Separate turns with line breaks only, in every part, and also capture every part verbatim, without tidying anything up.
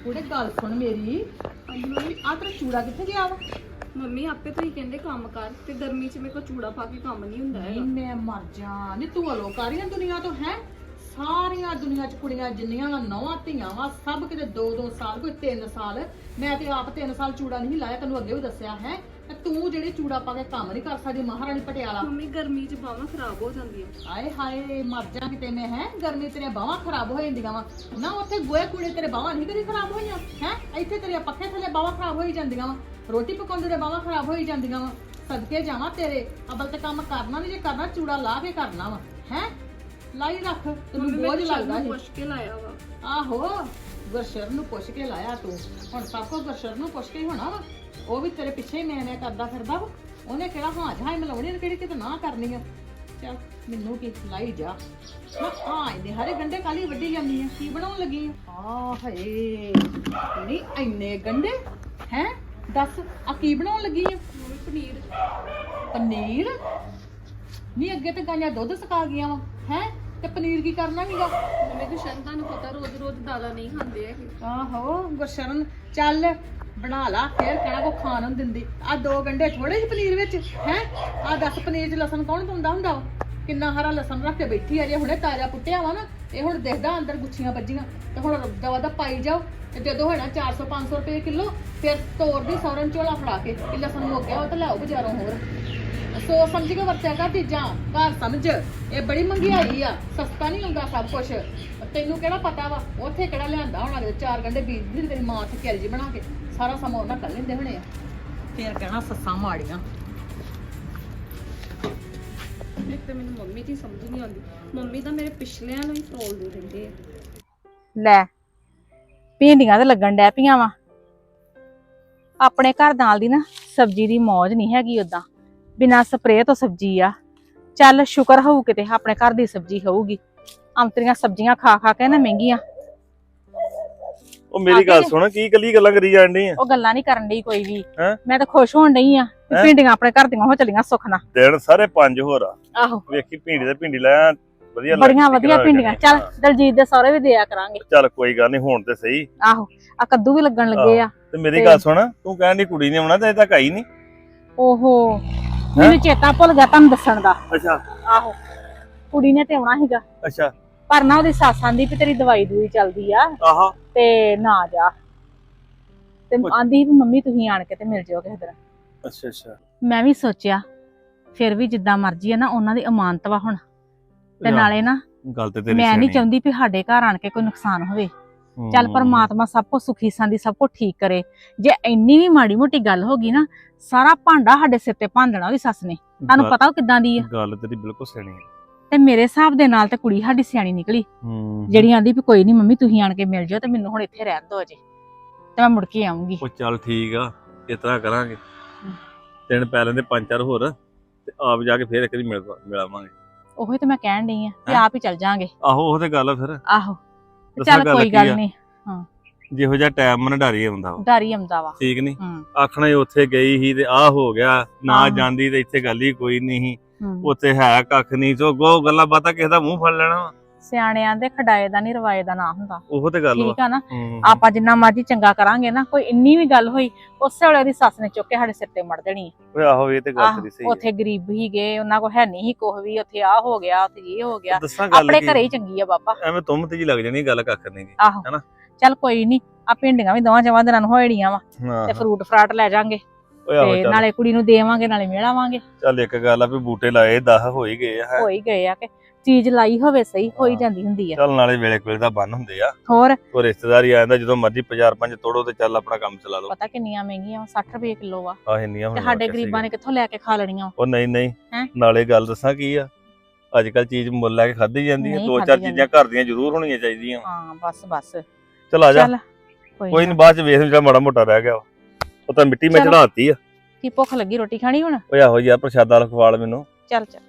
ਉਹਦੇ ਗੱਲ ਸੁਣ ਮੇਰੀ।
ਹਾਂਜੀ ਮੰਮੀ।
ਆ ਤੇਰਾ ਚੂੜਾ ਕਿੱਥੇ ਗਿਆ ਵਾ?
ਮੰਮੀ ਆਪੇ ਤੁਸੀਂ ਕਹਿੰਦੇ ਕੰਮ ਕਰ ਤੇ ਗਰਮੀ 'ਚ ਮੇਰੇ ਕੋਲ ਚੂੜਾ ਪਾ ਕੇ ਕੰਮ ਨਹੀਂ ਹੁੰਦਾ
ਨਹੀਂ
ਹੈਗਾ।
ਮੈਂ ਮਰ ਜਾ ਨੀ ਤੂੰ ਅਲੋਕਾਰੀਆਂ ਦੁਨੀਆ ਤੋਂ ਹੈ। ਸਾਰੀਆਂ ਦੁਨੀਆ ਚ ਕੁੜੀਆਂ ਜਿੰਨੀਆਂ ਵਾ ਨੌਵਾਂ ਧੀਆਂ ਵਾ ਸਭ ਕਿਤੇ ਦੋ ਦੋ ਸਾਲ ਕੋਈ ਤਿੰਨ ਸਾਲ। ਮੈਂ ਤੇ ਆਪ ਤਿੰਨ ਸਾਲ ਚੂੜਾ ਨਹੀਂ ਲਾਇਆ, ਤੈਨੂੰ ਅੱਗੇ ਵੀ ਦੱਸਿਆ ਹੈ। ਤੇ ਤੂੰ ਜਿਹੜੀ ਚੂੜਾ ਪਾ ਕੇ ਕੰਮ ਨਹੀਂ ਕਰ ਸਕਦੀ ਮਹਾਰਾਣੀ ਪਟਿਆਲਾ।
ਮੰਮੀ ਗਰਮੀ 'ਚ ਬਾਹਾਂ ਖਰਾਬ ਹੋ ਜਾਂਦੀਆਂ।
ਆਏ ਹਾਏ ਮਰ ਜਾ ਕਿਤੇ ਮੈਂ ਹੈ। ਗਰਮੀ ਤੇਰੀਆਂ ਬਾਹਾਂ ਖਰਾਬ ਹੋ ਜਾਂਦੀਆਂ ਵਾ ਨਾ, ਉੱਥੇ ਗੋਏ ਕੂੜੇ ਤੇਰੇ ਬਾਹਾਂ ਨਹੀਂ ਕਦੀ ਖਰਾਬ ਹੋਈਆਂ ਹੈ। ਇੱਥੇ ਤੇਰੀਆਂ ਪੱਖੇ ਥੱਲੇ ਬਾਹਾਂ ਖਰਾਬ ਹੋਈ ਜਾਂਦੀਆਂ ਵਾ, ਰੋਟੀ ਪਕਾਉਂਦੇ ਦੇ ਬਾਹਾਂ ਖਰਾਬ ਹੋਈ ਜਾਂਦੀਆਂ ਵਾ। ਸਦਕੇ ਜਾਵਾਂ ਤੇਰੇ, ਅਬਲ ਤੇ ਕੰਮ ਕਰਨਾ ਨਹੀਂ, ਜੇ ਕਰਨਾ ਚੂੜਾ ਲਾ ਕੇ ਕਰਨਾ ਵਾ ਹੈ। ਲਾਈ ਰੱਖ, ਤੈਨੂੰ ਬੋਝ ਲੱਗਦਾ ਸੀ।
ਪੁੱਛ ਕੇ ਲਾਇਆ ਵਾ।
ਆਹੋ ਗੁਰਸ਼ਰ ਨੂੰ ਪੁੱਛ ਕੇ ਲਾਇਆ ਤੂੰ। ਹੁਣ ਸਭ ਕੋ ਗੁਰਸ਼ਰ ਨੂੰ ਪੁੱਛ ਕੇ ਹੀ ਹੋਣਾ ਵਾ। ਉਹ ਵੀ ਤੇਰੇ ਪਿੱਛੇ ਹੀ ਮੈਂ ਮੈਂ ਕਰਦਾ ਫਿਰਦਾ ਵਾ। ਉਹਨੇ ਕਿਹੜਾ ਹਾਂ ਜਹਾਈ ਮਲਾਉਣੀ, ਉਹਨੇ ਕਿਹੜੀ ਕਿਤੇ ਨਾ ਕਰਨੀ ਆ। ਚੱਲ ਮੈਨੂੰ ਕੀ ਲਾਈ ਜਾ। ਮੈਂ ਆ ਇਹਨੇ ਹਰੇ ਗੰਡੇ ਕਾਲੀ ਵੱਡੀ ਜਾਂਦੀ ਆ, ਕੀ ਬਣਾਉਣ ਲੱਗੀ ਆ? ਆ ਹਏ ਨਹੀਂ ਇੰਨੇ ਗੰਡੇ ਹੈ। ਦੱਸ ਆ ਕੀ ਬਣਾਉਣ ਲੱਗੀ ਆ?
ਮੰਮੀ ਪਨੀਰ।
ਪਨੀਰ? ਨਹੀਂ ਅੱਗੇ ਤੇ ਗਾਈਆਂ ਦੁੱਧ ਸਕਾ ਗਈਆਂ ਵਾ ਹੈ, ਤੇ ਪਨੀਰ ਕੀ ਕਰਨਾ ਸੀਗਾ?
ਮੰਮੀ ਗੁਸ਼ਨ ਤੁਹਾਨੂੰ ਪਤਾ ਰੋਜ਼ ਰੋਜ਼ ਦਾਲਾਂ ਨਹੀਂ ਖਾਂਦੇ ਹੈਗੇ।
ਆਹੋ ਗੁਰਸ਼ਰਨ ਚੱਲ ਬਣਾ ਲਾ, ਫੇਰ ਕਹਿਣਾ ਕੋ ਖਾਣ ਨੂੰ ਦਿੰਦੀ। ਆ ਦੋ ਗੰਢੇ ਥੋੜੇ ਜਿਹੇ ਪਨੀਰ ਵਿੱਚ ਹੈ। ਆ ਦੱਸ ਪਨੀਰ 'ਚ ਲਸਣ ਕੌਣ ਪਾਉਂਦਾ ਹੁੰਦਾ ਵਾ? ਕਿੰਨਾ ਹਰਾ ਲਸਣ ਰੱਖ ਕੇ ਬੈਠੀ ਆ, ਜੇ ਹੁਣੇ ਤਾਜ਼ਾ ਪੁੱਟਿਆ ਵਾ ਨਾ, ਇਹ ਹੁਣ ਦਿਖਦਾ ਅੰਦਰ ਗੁੱਛੀਆਂ ਵੱਜੀਆਂ। ਤੇ ਹੁਣ ਦਵਾ ਦਾ ਪਾਈ ਜਾਓ, ਤੇ ਜਦੋਂ ਹੋਣਾ ਚਾਰ ਸੌ ਪੰਜ ਸੌ ਰੁਪਏ ਕਿਲੋ, ਫਿਰ ਤੋੜਦੀ ਸੌਰਨ ਝੋਲਾ ਫੜਾ ਕੇ ਕਿ ਲਸਣ ਮੁੱਕ ਗਿਆ ਉਹ ਤਾਂ ਲਿਆਓ ਬਾਜ਼ਾਰੋਂ ਹੋਰ। ਸੋਚ ਸਮਝ ਕੇ ਵਰਤਿਆ ਕਰ ਚੀਜ਼ਾਂ, ਘਰ ਸਮਝ। ਇਹ ਬੜੀ ਮਹਿੰਗਾਈ ਆ, ਸਸਤਾ ਨਹੀਂ ਹੁੰਦਾ ਸਭ ਕੁਛ। ਤੈਨੂੰ ਕਿਹੜਾ ਪਤਾ ਵਾ ਉੱਥੇ ਕਿਹੜਾ ਲਿਆਂਦਾ ਹੋਣਾ, ਚਾਰ ਗੰਢੇ ਬੀਜ ਦੀ ਤੇਰੀ ਮਾਂ ਤੇ ਕਿਲਜੀ ਬਣਾ ਕੇ ਸਾਰਾ ਸਮਾਂ ਉਹਨਾਂ ਕਰ ਲੈਂਦੇ ਹੋਣੇ ਆ। ਫੇਰ ਕਹਿਣਾ ਸੱਸਾਂ ਮਾੜੀਆਂ।
ਇੱਕ ਤੇ ਮੈਨੂੰ ਮੰਮੀ ਦੀ ਸਮਝ ਨਹੀਂ ਆਉਂਦੀ। ਮੰਮੀ ਤਾਂ ਮੇਰੇ ਪਿਛਲਿਆਂ ਨੂੰ ਹੀ ਫਰੋਲ ਦੇ ਦਿੰਦੇ ਆ।
ਲੈ ਭਿੰਡੀਆਂ ਤੇ ਲੱਗਣ ਡੈ ਪਈਆਂ ਵਾ। ਆਪਣੇ ਘਰ ਨਾਲ ਦੀ ਨਾ ਸਬਜ਼ੀ ਦੀ ਮੌਜ ਨਹੀਂ ਹੈਗੀ, ਉਦਾਂ ਬਿਨਾਂ ਸਪਰੇਅ ਤੋਂ ਸਬਜ਼ੀ ਆ। ਚੱਲ ਸ਼ੁਕਰ ਹੋਊ ਕਿਤੇ ਆਪਣੇ ਘਰ ਦੀ ਸਬਜ਼ੀ ਹੋਊਗੀ। ਅੰਤਰੀਆਂ ਸਬਜ਼ੀਆਂ ਖਾ ਖਾ ਕੇ ਨਾ ਮਹਿੰਗੀਆਂ।
ਉਹ ਮੇਰੀ ਗੱਲ ਸੁਣ, ਕੀ ਕੱਲੀ ਗੱਲਾਂ ਕਰੀ ਜਾਣ ਡਈ ਆ?
ਉਹ ਗੱਲਾਂ ਨਹੀਂ ਕਰਨ ਡਈ ਕੋਈ ਵੀ।
ਹੈਂ?
ਮੈਂ ਤਾਂ ਖੁਸ਼ ਹੋਣ ਡਈ ਆ ਕਿ ਭਿੰਡੀਆਂ ਆਪਣੇ ਘਰ ਦੀਆਂ ਹੋ ਚਲੀਆਂ ਸੁੱਖ ਨਾਲ।
ਦਿਨ ਸਾਰੇ ਪੰਜ ਹੋਰ ਆ।
ਆਹੋ
ਵੇਖੀ ਭਿੰਡੀ ਤੇ ਭਿੰਡੀ ਲੈ ਆ, ਵਧੀਆ
ਬੜੀਆਂ ਵਧੀਆ ਭਿੰਡੀਆਂ। ਚੱਲ ਦਲਜੀਤ ਦੇ ਸਹੁਰੇ ਵੀ ਦਿਆ ਕਰਾਂਗੇ।
ਚੱਲ ਕੋਈ ਗੱਲ ਨਹੀਂ, ਹੁਣ ਤੇ ਸਹੀ।
ਆਹੋ ਆ ਕੱਦੂ ਵੀ ਲੱਗਣ ਲੱਗੇ ਆ।
ਤੇ ਮੇਰੀ ਗੱਲ ਸੁਣ, ਤੂੰ ਕਹਿਣ ਦੀ ਕੁੜੀ ਨੇ ਆਉਣਾ ਤੇ ਅਜੇ ਤੱਕ ਆਈ ਨਹੀਂ।
ਓਹੋ ਮੈਨੂੰ ਚੇਤਾ ਭੁੱਲ ਗਿਆ ਤੁਹਾਨੂੰ ਦੱਸਣ ਦਾ।
ਅੱਛਾ
ਆਹੋ ਕੁੜੀ ਨੇ ਤੇ ਆਉਣਾ ਸੀਗਾ,
ਅੱਛਾ।
ਪਰ ਨਾ ਉਹਦੀ ਸੱਸ ਆਂਦੀ ਵੀ ਤੇਰੀ ਦਵਾਈ ਦੂਈ ਚੱਲਦੀ ਆ
ਆਹਾ
ਤੇ ਨਾ ਜਾ। ਤੇ ਆਂਦੀ ਵੀ ਮੰਮੀ ਤੁਸੀਂ ਆਣ ਕੇ ਤੇ ਮਿਲ ਜਿਓ ਕਿਸੇ ਦਿਨ।
ਅੱਛਾ ਅੱਛਾ।
ਮੈਂ ਵੀ ਸੋਚਿਆ ਫਿਰ ਵੀ ਜਿੱਦਾਂ ਮਰਜ਼ੀ ਆ ਨਾ, ਉਹਨਾਂ ਦੀ ਅਮਾਨਤ ਵਾ ਹੁਣ। ਤੇ ਨਾਲੇ ਨਾ
ਗੱਲ ਤੇ ਤੇਰੀ
ਮੈਂ ਨਹੀਂ
ਸਿਆਣੀ।
ਚਾਹੁੰਦੀ ਵੀ ਸਾਡੇ ਘਰ ਆਣ ਕੇ ਕੋਈ ਨੁਕਸਾਨ ਹੋਵੇ। ਚੱਲ ਪਰਮਾਤਮਾ ਸਭ ਕੁਝ ਸੁਖੀ ਸੰਦੀ ਸਭ ਕੁਝ ਠੀਕ ਕਰੇ। ਜੇ ਇੰਨੀ ਵੀ ਮਾੜੀ ਮੋਟੀ ਗੱਲ ਹੋ ਗਈ ਨਾ, ਸਾਰਾ ਭਾਂਡਾ ਸਾਡੇ ਸਿਰ ਤੇ ਭਾਂਦਣਾ ਉਹਦੀ ਸੱਸ ਨੇ। ਤੁਹਾਨੂੰ ਪਤਾ ਉਹ ਕਿੱਦਾਂ ਦੀ ਆ।
ਗੱਲ ਤੇਰੀ ਬਿਲਕੁਲ ਸਿਆਣੀ ਹੈ।
ਤੇ ਮੇਰੇ ਹਿਸਾਬ ਦੇ ਨਾਲ ਤੇ ਕੁੜੀ ਸਾਡੀ ਸਿਆਣੀ ਨਿਕਲੀ,
ਹੂੰ
ਜਿਹੜੀ ਆਂਦੀ ਵੀ ਕੋਈ ਨਹੀਂ ਮੰਮੀ ਤੁਸੀਂ ਆਣ ਕੇ ਮਿਲ ਜਾਓ ਤੇ ਮੈਨੂੰ ਹੁਣ ਇੱਥੇ ਰਹਿਣ ਦਿਓ ਅਜੇ, ਤੇ ਮੈਂ ਮੁੜ ਕੇ ਆਉਂਗੀ।
ਉਹ ਚੱਲ ਠੀਕ ਆ, ਇਸ ਤਰ੍ਹਾਂ ਕਰਾਂਗੇ। ਤਿੰਨ ਪੈ ਲੈਂਦੇ ਪੰਜ ਚਾਰ ਹੋਰ, ਤੇ ਆਪ ਜਾ ਕੇ ਫੇਰ ਇੱਕ ਵਾਰੀ ਮਿਲ ਮਿਲਾਵਾਂਗੇ।
ਉਹੀ ਤੇ ਮੈਂ ਕਹਿਣ ਡਈ ਆ ਕਿ ਆਪ ਹੀ ਚੱਲ ਜਾਾਂਗੇ।
ਆਹੋ ਉਹ ਤੇ ਗੱਲ ਆ ਫਿਰ।
ਆਹੋ ਚੱਲ ਕੋਈ ਗੱਲ ਨਹੀਂ। ਹਾਂ
ਜਿਹੋ ਜਿਹਾ ਟਾਈਮ ਮਨ ਡਾਰੀ ਆਉਂਦਾ ਵਾ,
ਡਰ ਹੀ ਆਉਂਦਾ ਵਾ।
ਠੀਕ ਨੀ?
ਹੂੰ
ਆਖਣਾ ਹੀ ਉੱਥੇ ਗਈ ਸੀ ਤੇ ਆਹ ਹੋ ਗਿਆ, ਨਾ
ਆਹੋ।
ਜਾਂਦੀ ਤੇ ਇੱਥੇ ਗੱਲ ਹੀ ਕੋਈ ਨਹੀਂ ਸੀ।
ਹੂੰ
ਉੱਥੇ ਹੈ ਕੱਖ ਨਹੀਂ, ਸੋ ਗੋ ਗੱਲਾਂ ਬਾਤਾਂ ਕਿਸੇ ਦਾ ਮੂੰਹ ਫੜ ਲੈਣਾ ਵਾ।
ਸਿਆਣਿਆਂ ਦੇ ਖਡਾਏ ਦਾ ਨਹੀਂ ਰਵਾਏ ਦਾ ਨਾ ਹੁੰਦਾ।
ਉਹ ਤੇ ਗੱਲ ਵਾ।
ਠੀਕ ਆ ਨਾ?
ਹੂੰ।
ਆਪਾਂ ਜਿੰਨਾ ਮਰਜ਼ੀ ਚੰਗਾ ਕਰਾਂਗੇ ਨਾ, ਕੋਈ ਇੰਨੀ ਵੀ ਗੱਲ ਹੋਈ ਉਸੇ ਵੇਲੇ ਦੀ ਸੱਸ ਨੇ ਚੁੱਕ ਕੇ ਸਾਡੇ ਸਿਰ ਤੇ ਮੜ ਦੇਣੀ।
ਓਏ ਆਹੋ ਇਹ ਤੇ ਗੱਲ
ਆਹ
ਤੇਰੀ ਸਹੀ ਹੈ।
ਉੱਥੇ ਗਰੀਬ ਹੀ ਗਏ, ਉਹਨਾਂ ਕੋਲ ਹੈ ਨਹੀਂ ਸੀ ਕੁਛ ਵੀ, ਉੱਥੇ ਆਹ ਹੋ ਗਿਆ, ਉੱਥੇ ਇਹ ਹੋ ਗਿਆ।
ਦੱਸਾਂ ਗੱਲ
ਆਪਣੇ
ਕੀ,
ਘਰੇ ਹੀ ਚੰਗੀ ਆ ਬਾਬਾ।
ਐਵੇਂ ਤੁਮ ਤੇ ਜੀ ਲੱਗ ਜਾਣੀ, ਗੱਲ ਕੱਖ ਨਹੀਂ ਗੀ।
ਆਹੋ
ਹੈਨਾ?
ਚੱਲ ਕੋਈ ਨਹੀਂ, ਆ ਭਿੰਡੀਆਂ ਵੀ ਦੋਵਾਂ ਚਵਾਂ ਦਿਨਾਂ ਨੂੰ ਹੋੜੀਆਂ ਵਾ,
ਹਾਂ
ਤੇ ਫਰੂਟ ਫਰਾਟ ਲੈ ਜਾਾਂਗੇ,
ਓਏ ਆਹੋ
ਤੇ
ਚੱਲ।
ਨਾਲੇ ਕੁੜੀ ਨੂੰ ਦੇਵਾਂਗੇ ਨਾਲੇ ਮਿਲਾਵਾਂਗੇ।
ਚੱਲ ਇੱਕ ਗੱਲ ਆ ਵੀ ਬੂਟੇ ਲਾਏ ਦਸ ਹੋ ਹੀ ਗਏ ਆ। ਹੈਂ।
ਹੋ ਹੀ ਗਏ ਆ ਕਿ ਚੀਜ਼ ਲਾਈ ਹੋਵੇ ਸਹੀ ਹੋ ਹੀ
ਹਾਂ।
ਜਾਂਦੀ ਹੁੰਦੀ ਆ।
ਚੱਲ ਨਾਲੇ ਵੇਲੇ ਕੋਲੇ ਦਾ ਬੰਨ ਹੁੰਦੇ ਆ।
ਹੋਰ
ਉਹ ਰਿਸ਼ਤੇਦਾਰੀ ਆ ਜਾਂਦਾ, ਜਦੋਂ ਮਰਜ਼ੀ ਪੰਜਾਹ ਪੰਜ ਤੋੜੋ ਤੇ ਚੱਲ ਆਪਣਾ ਕੰਮ ਚਲਾ ਲਓ।
ਪਤਾ ਕਿੰਨੀਆਂ ਮਹਿੰਗੀਆਂ, ਸੱਠ ਰੁਪਏ ਕਿਲੋ ਆ,
ਆਹ ਇੰਨੀਆਂ
ਤੇ
ਹੋਣੀਆਂ
ਸਾਡੇ
ਕਿਸੇ
ਗਰੀਬਾਂ ਨੇ ਕਿੱਥੋਂ ਲੈ ਕੇ ਖਾ ਲੈਣੀਆਂ।
ਉਹ ਨਹੀਂ ਨਹੀਂ
ਹੈਂ?
ਨਾਲੇ ਗੱਲ ਦੱਸਾਂ ਕੀ ਆ, ਅੱਜ ਕੱਲ ਚੀਜ਼ ਮੁੱਲ ਲੈ ਕੇ ਖਾਧੀ ਜਾਂਦੀ ਹੈ।
ਨਹੀਂ
ਦੋ
ਖਾਧੀ
ਚਾਰ
ਜਾਂਦੀ।
ਚੀਜ਼ਾਂ ਘਰ ਦੀਆਂ ਜ਼ਰੂਰ ਹੋਣੀਆਂ ਚਾਹੀਦੀਆਂ।
ਹਾਂ ਬਸ ਬਸ
ਚਲ ਆ ਜਾ।
ਚੱਲ
ਕੋਈ
ਕੋਈ
ਨਹੀਂ, ਬਾਅਦ ਚ ਵੇਖ ਜਿਹੜਾ ਮਾੜਾ ਮੋਟਾ ਰਹਿ ਗਿਆ ਵਾ। ਉਹ ਤਾਂ ਮਿੱਟੀ ਮੈਂ
ਚਲੋ।
ਚੜਾਤੀ ਆ।
ਕੀ ਭੁੱਖ ਲੱਗੀ, ਰੋਟੀ ਖਾਣੀ ਹੁਣ?
ਓਏ ਆਹੋ ਯਾਰ ਪ੍ਰਸ਼ਾਦਾ ਲਖਵਾਲ ਮੈਨੂੰ।
ਚੱਲ ਚੱਲ।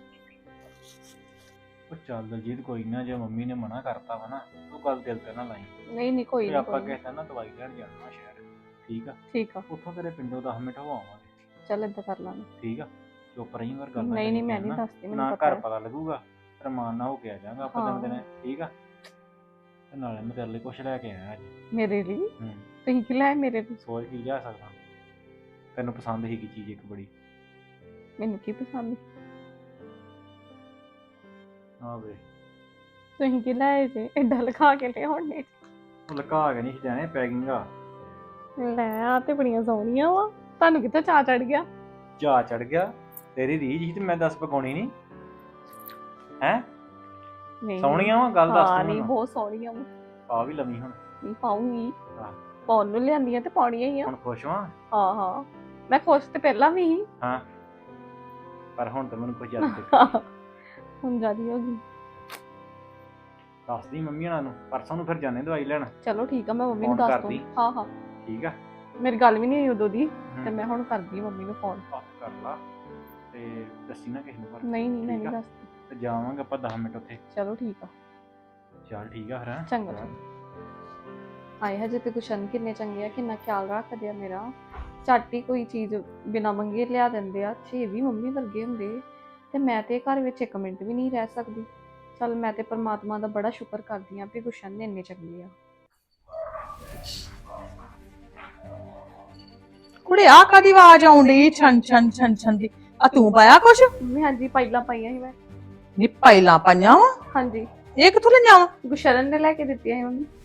ਉਹ ਚੱਲ ਦਲਜੀਤ ਕੋਈ ਨਾ, ਜੇ ਮੰਮੀ ਨੇ ਮਨਾ ਕਰਤਾ ਵਾ ਨਾ, ਤੂੰ ਗੱਲ ਦਿਲ ਤੇ ਨਾ ਲਾਈ।
ਨਹੀਂ ਨਹੀਂ ਕੋਈ
ਤੇ
ਨਹੀਂ
ਆਪਾਂ ਕਿਸੇ ਨਾ ਦਵਾਈ ਲੈਣ ਜਾਣਾ ਸ਼ਹਿਰ, ਠੀਕ ਆ?
ਠੀਕ ਆ।
ਉੱਥੋਂ ਤੇਰੇ ਪਿੰਡੋਂ ਦਸ ਮਿੰਟ ਹੋ ਆਵਾਂਗੇ,
ਚੱਲ ਏਦਾਂ ਕਰ ਲਾਂਗੇ।
ਠੀਕ ਆ? ਚੁੱਪ ਰਹੀ ਵਾਰ ਗੱਲ
ਨਹੀਂ ਨਹੀਂ ਮੈਂ ਨਹੀਂ ਦੱਸਦੀ,
ਨਾ
ਮੈਨੂੰ
ਘਰ
ਪਤਾ ਹੈ।
ਪਤਾ ਲੱਗੂਗਾ, ਰਮਾਨ ਨਾ ਹੋ ਕੇ ਆ ਜਾਾਂਗਾ ਆਪਾਂ
ਹਾਂ।
ਦਿਨ ਦਿਨ, ਠੀਕ ਆ? ਤੇ ਨਾਲੇ ਮੈਂ ਤੇਰੇ ਲਈ ਕੁਛ ਲੈ ਕੇ ਆਇਆ ਅੱਜ।
ਮੇਰੇ ਲਈ
ਹੂੰ
ਤੁਸੀਂ ਕੀ ਲੈ ਮੇਰੇ ਲਈ?
ਸੋਚ ਕੀ ਲਿਆ ਸਕਦਾ, ਤੈਨੂੰ ਪਸੰਦ ਸੀਗੀ ਚੀਜ਼ ਇੱਕ ਬੜੀ।
ਮੈਨੂੰ ਕੀ ਪਸੰਦ?
ਹਾਂ ਵੇ,
ਤੁਸੀਂ ਕੀ ਲੈ ਜੇ ਐਡਾ ਲਿਖਾ ਕੇ ਲਿਆਉਣੇ?
ਉਹ ਲੁਕਾ ਕੇ ਨਹੀਂ ਜਾਣੇ, ਪੈਕਿੰਗ ਆ।
ਲੈ ਆ ਤੇ ਬੜੀਆਂ ਸੋਹਣੀਆਂ ਵਾ, ਤੁਹਾਨੂੰ ਕਿੱਥੇ ਚਾਅ ਚੜ ਗਿਆ?
ਚਾਅ ਚੜ ਗਿਆ, ਤੇਰੀ ਰੀਝ ਸੀ ਤੇ ਮੈਂ ਦੱਸ ਪਕਾਉਣੀ ਨਹੀਂ ਹੈ।
ਨਹੀਂ
ਸੋਹਣੀਆਂ ਵਾ, ਗੱਲ ਦੱਸ
ਹਾਂ
ਤੂੰ
ਨਹੀਂ
ਮੈਨੂੰ।
ਬਹੁਤ ਸੋਹਣੀਆਂ ਵਾ।
ਆ ਵੀ ਲਵੀ ਹੁਣ।
ਨਹੀਂ ਪਾਉਂਗੀ,
ਹਾਂ।
ਪਾਉਣ ਨੂੰ ਲਿਆਂਦੀਆਂ ਤੇ ਪਾਉਣੀਆਂ ਹੀ ਆ।
ਹੁਣ ਖੁਸ਼ ਵਾਂ?
ਹਾਂ ਹਾਂ ਮੈਂ ਖੁਸ਼ ਤੇ ਪਹਿਲਾਂ ਵੀ ਸੀ।
ਹਾਂ, ਪਰ ਹੁਣ ਤਾਂ ਮੈਨੂੰ ਕੁਝ ਯਾਦ ਨਹੀਂ।
ਹੁਣ ਜ਼ਿਆਦੀ ਹੋ ਗਈ।
ਦੱਸਦੀ ਮੰਮੀ ਹਣਾ ਨੂੰ, ਪਰਸੋਂ ਨੂੰ ਫਿਰ ਜਾਣੇ ਦਵਾਈ ਲੈਣ।
ਚਲੋ ਠੀਕ ਆ, ਮੈਂ ਮੰਮੀ ਨੂੰ
ਫੋਨ
ਦੱਸ
ਕਰਦੀ।
ਦੂੰ। ਹਾਂ ਹਾਂ
ਠੀਕ ਆ।
ਮੇਰੀ ਗੱਲ ਵੀ ਨਹੀਂ ਹੋਈ ਉਦੋਂ ਦੀ,
ਹੂੰ।
ਤੇ ਮੈਂ ਹੁਣ ਕਰਦੀ ਆ ਮੰਮੀ ਨੂੰ ਫੋਨ।
ਬਾਤ ਕਰ ਲਾ ਤੇ ਦੱਸੀ ਨਾ ਕਿਸੇ ਨੂੰ ਪਰ।
ਨਹੀਂ ਨਹੀਂ ਮੈਂ
ਠੀਕ
ਨਹੀਂ
ਆ।
ਦੱਸਦੀ।
ਤੇ ਜਾਵਾਂਗੇ ਆਪਾਂ ਦਸ ਮਿੰਟ ਉੱਥੇ।
ਚਲੋ ਠੀਕ ਆ।
ਚੱਲ ਠੀਕ ਆ ਫਿਰ ਹੈਂ?
ਚੰਗਾ ਚੰਗਾ। ਆਏ ਹਜੇ ਤੇ ਗੁਸ਼ਨ ਕਿੰਨੇ ਚੰਗੇ ਆ, ਕਿੰਨਾ ਖਿਆਲ ਰੱਖਦੇ ਆ ਮੇਰਾ। ਝੱਟ ਹੀ ਕੋਈ ਚੀਜ਼ ਬਿਨਾਂ ਮੰਗੇ ਲਿਆ ਦਿੰਦੇ ਆ। ਛੇ ਵੀ ਮੰਮੀ ਵਰਗੇ ਹੁੰਦੇ ਤੇ ਮੈਂ ਤੇ ਘਰ ਵਿੱਚ ਇੱਕ ਮਿੰਟ ਵੀ ਨਹੀਂ ਰਹਿ ਸਕਦੀ। ਚੱਲ ਮੈਂ ਤੇ ਪਰਮਾਤਮਾ ਦਾ ਬੜਾ ਸ਼ੁਕਰ ਕਰਦੀ ਆ ਵੀ ਗੁਸ਼ਨ ਨੇ ਇੰਨੇ ਚੰਗੇ ਆ।
ਕੁੜੇ ਆ ਕਾਦੀ ਆਵਾਜ਼ ਆਉਂਦੀ ਛਨ ਛਨ ਛਨ ਛਨ ਦੀ? ਆ ਤੂੰ ਪਾਇਆ ਕੁਛ?
ਮੰਮੀ ਹਾਂਜੀ ਪਹਿਲਾਂ ਪਾਈਆਂ ਸੀ ਮੈਂ।
ਨੀ ਪਹਿਲਾਂ ਪਾਈਆਂ ਵਾ?
ਹਾਂਜੀ
ਇਹ ਕਿੱਥੋਂ ਲੈ ਆਵਾਂ?
ਗੁਸ਼ਰਨ ਨੇ ਲੈ ਕੇ ਦਿੱਤੀਆਂ ਸੀ ਮੰਮੀ।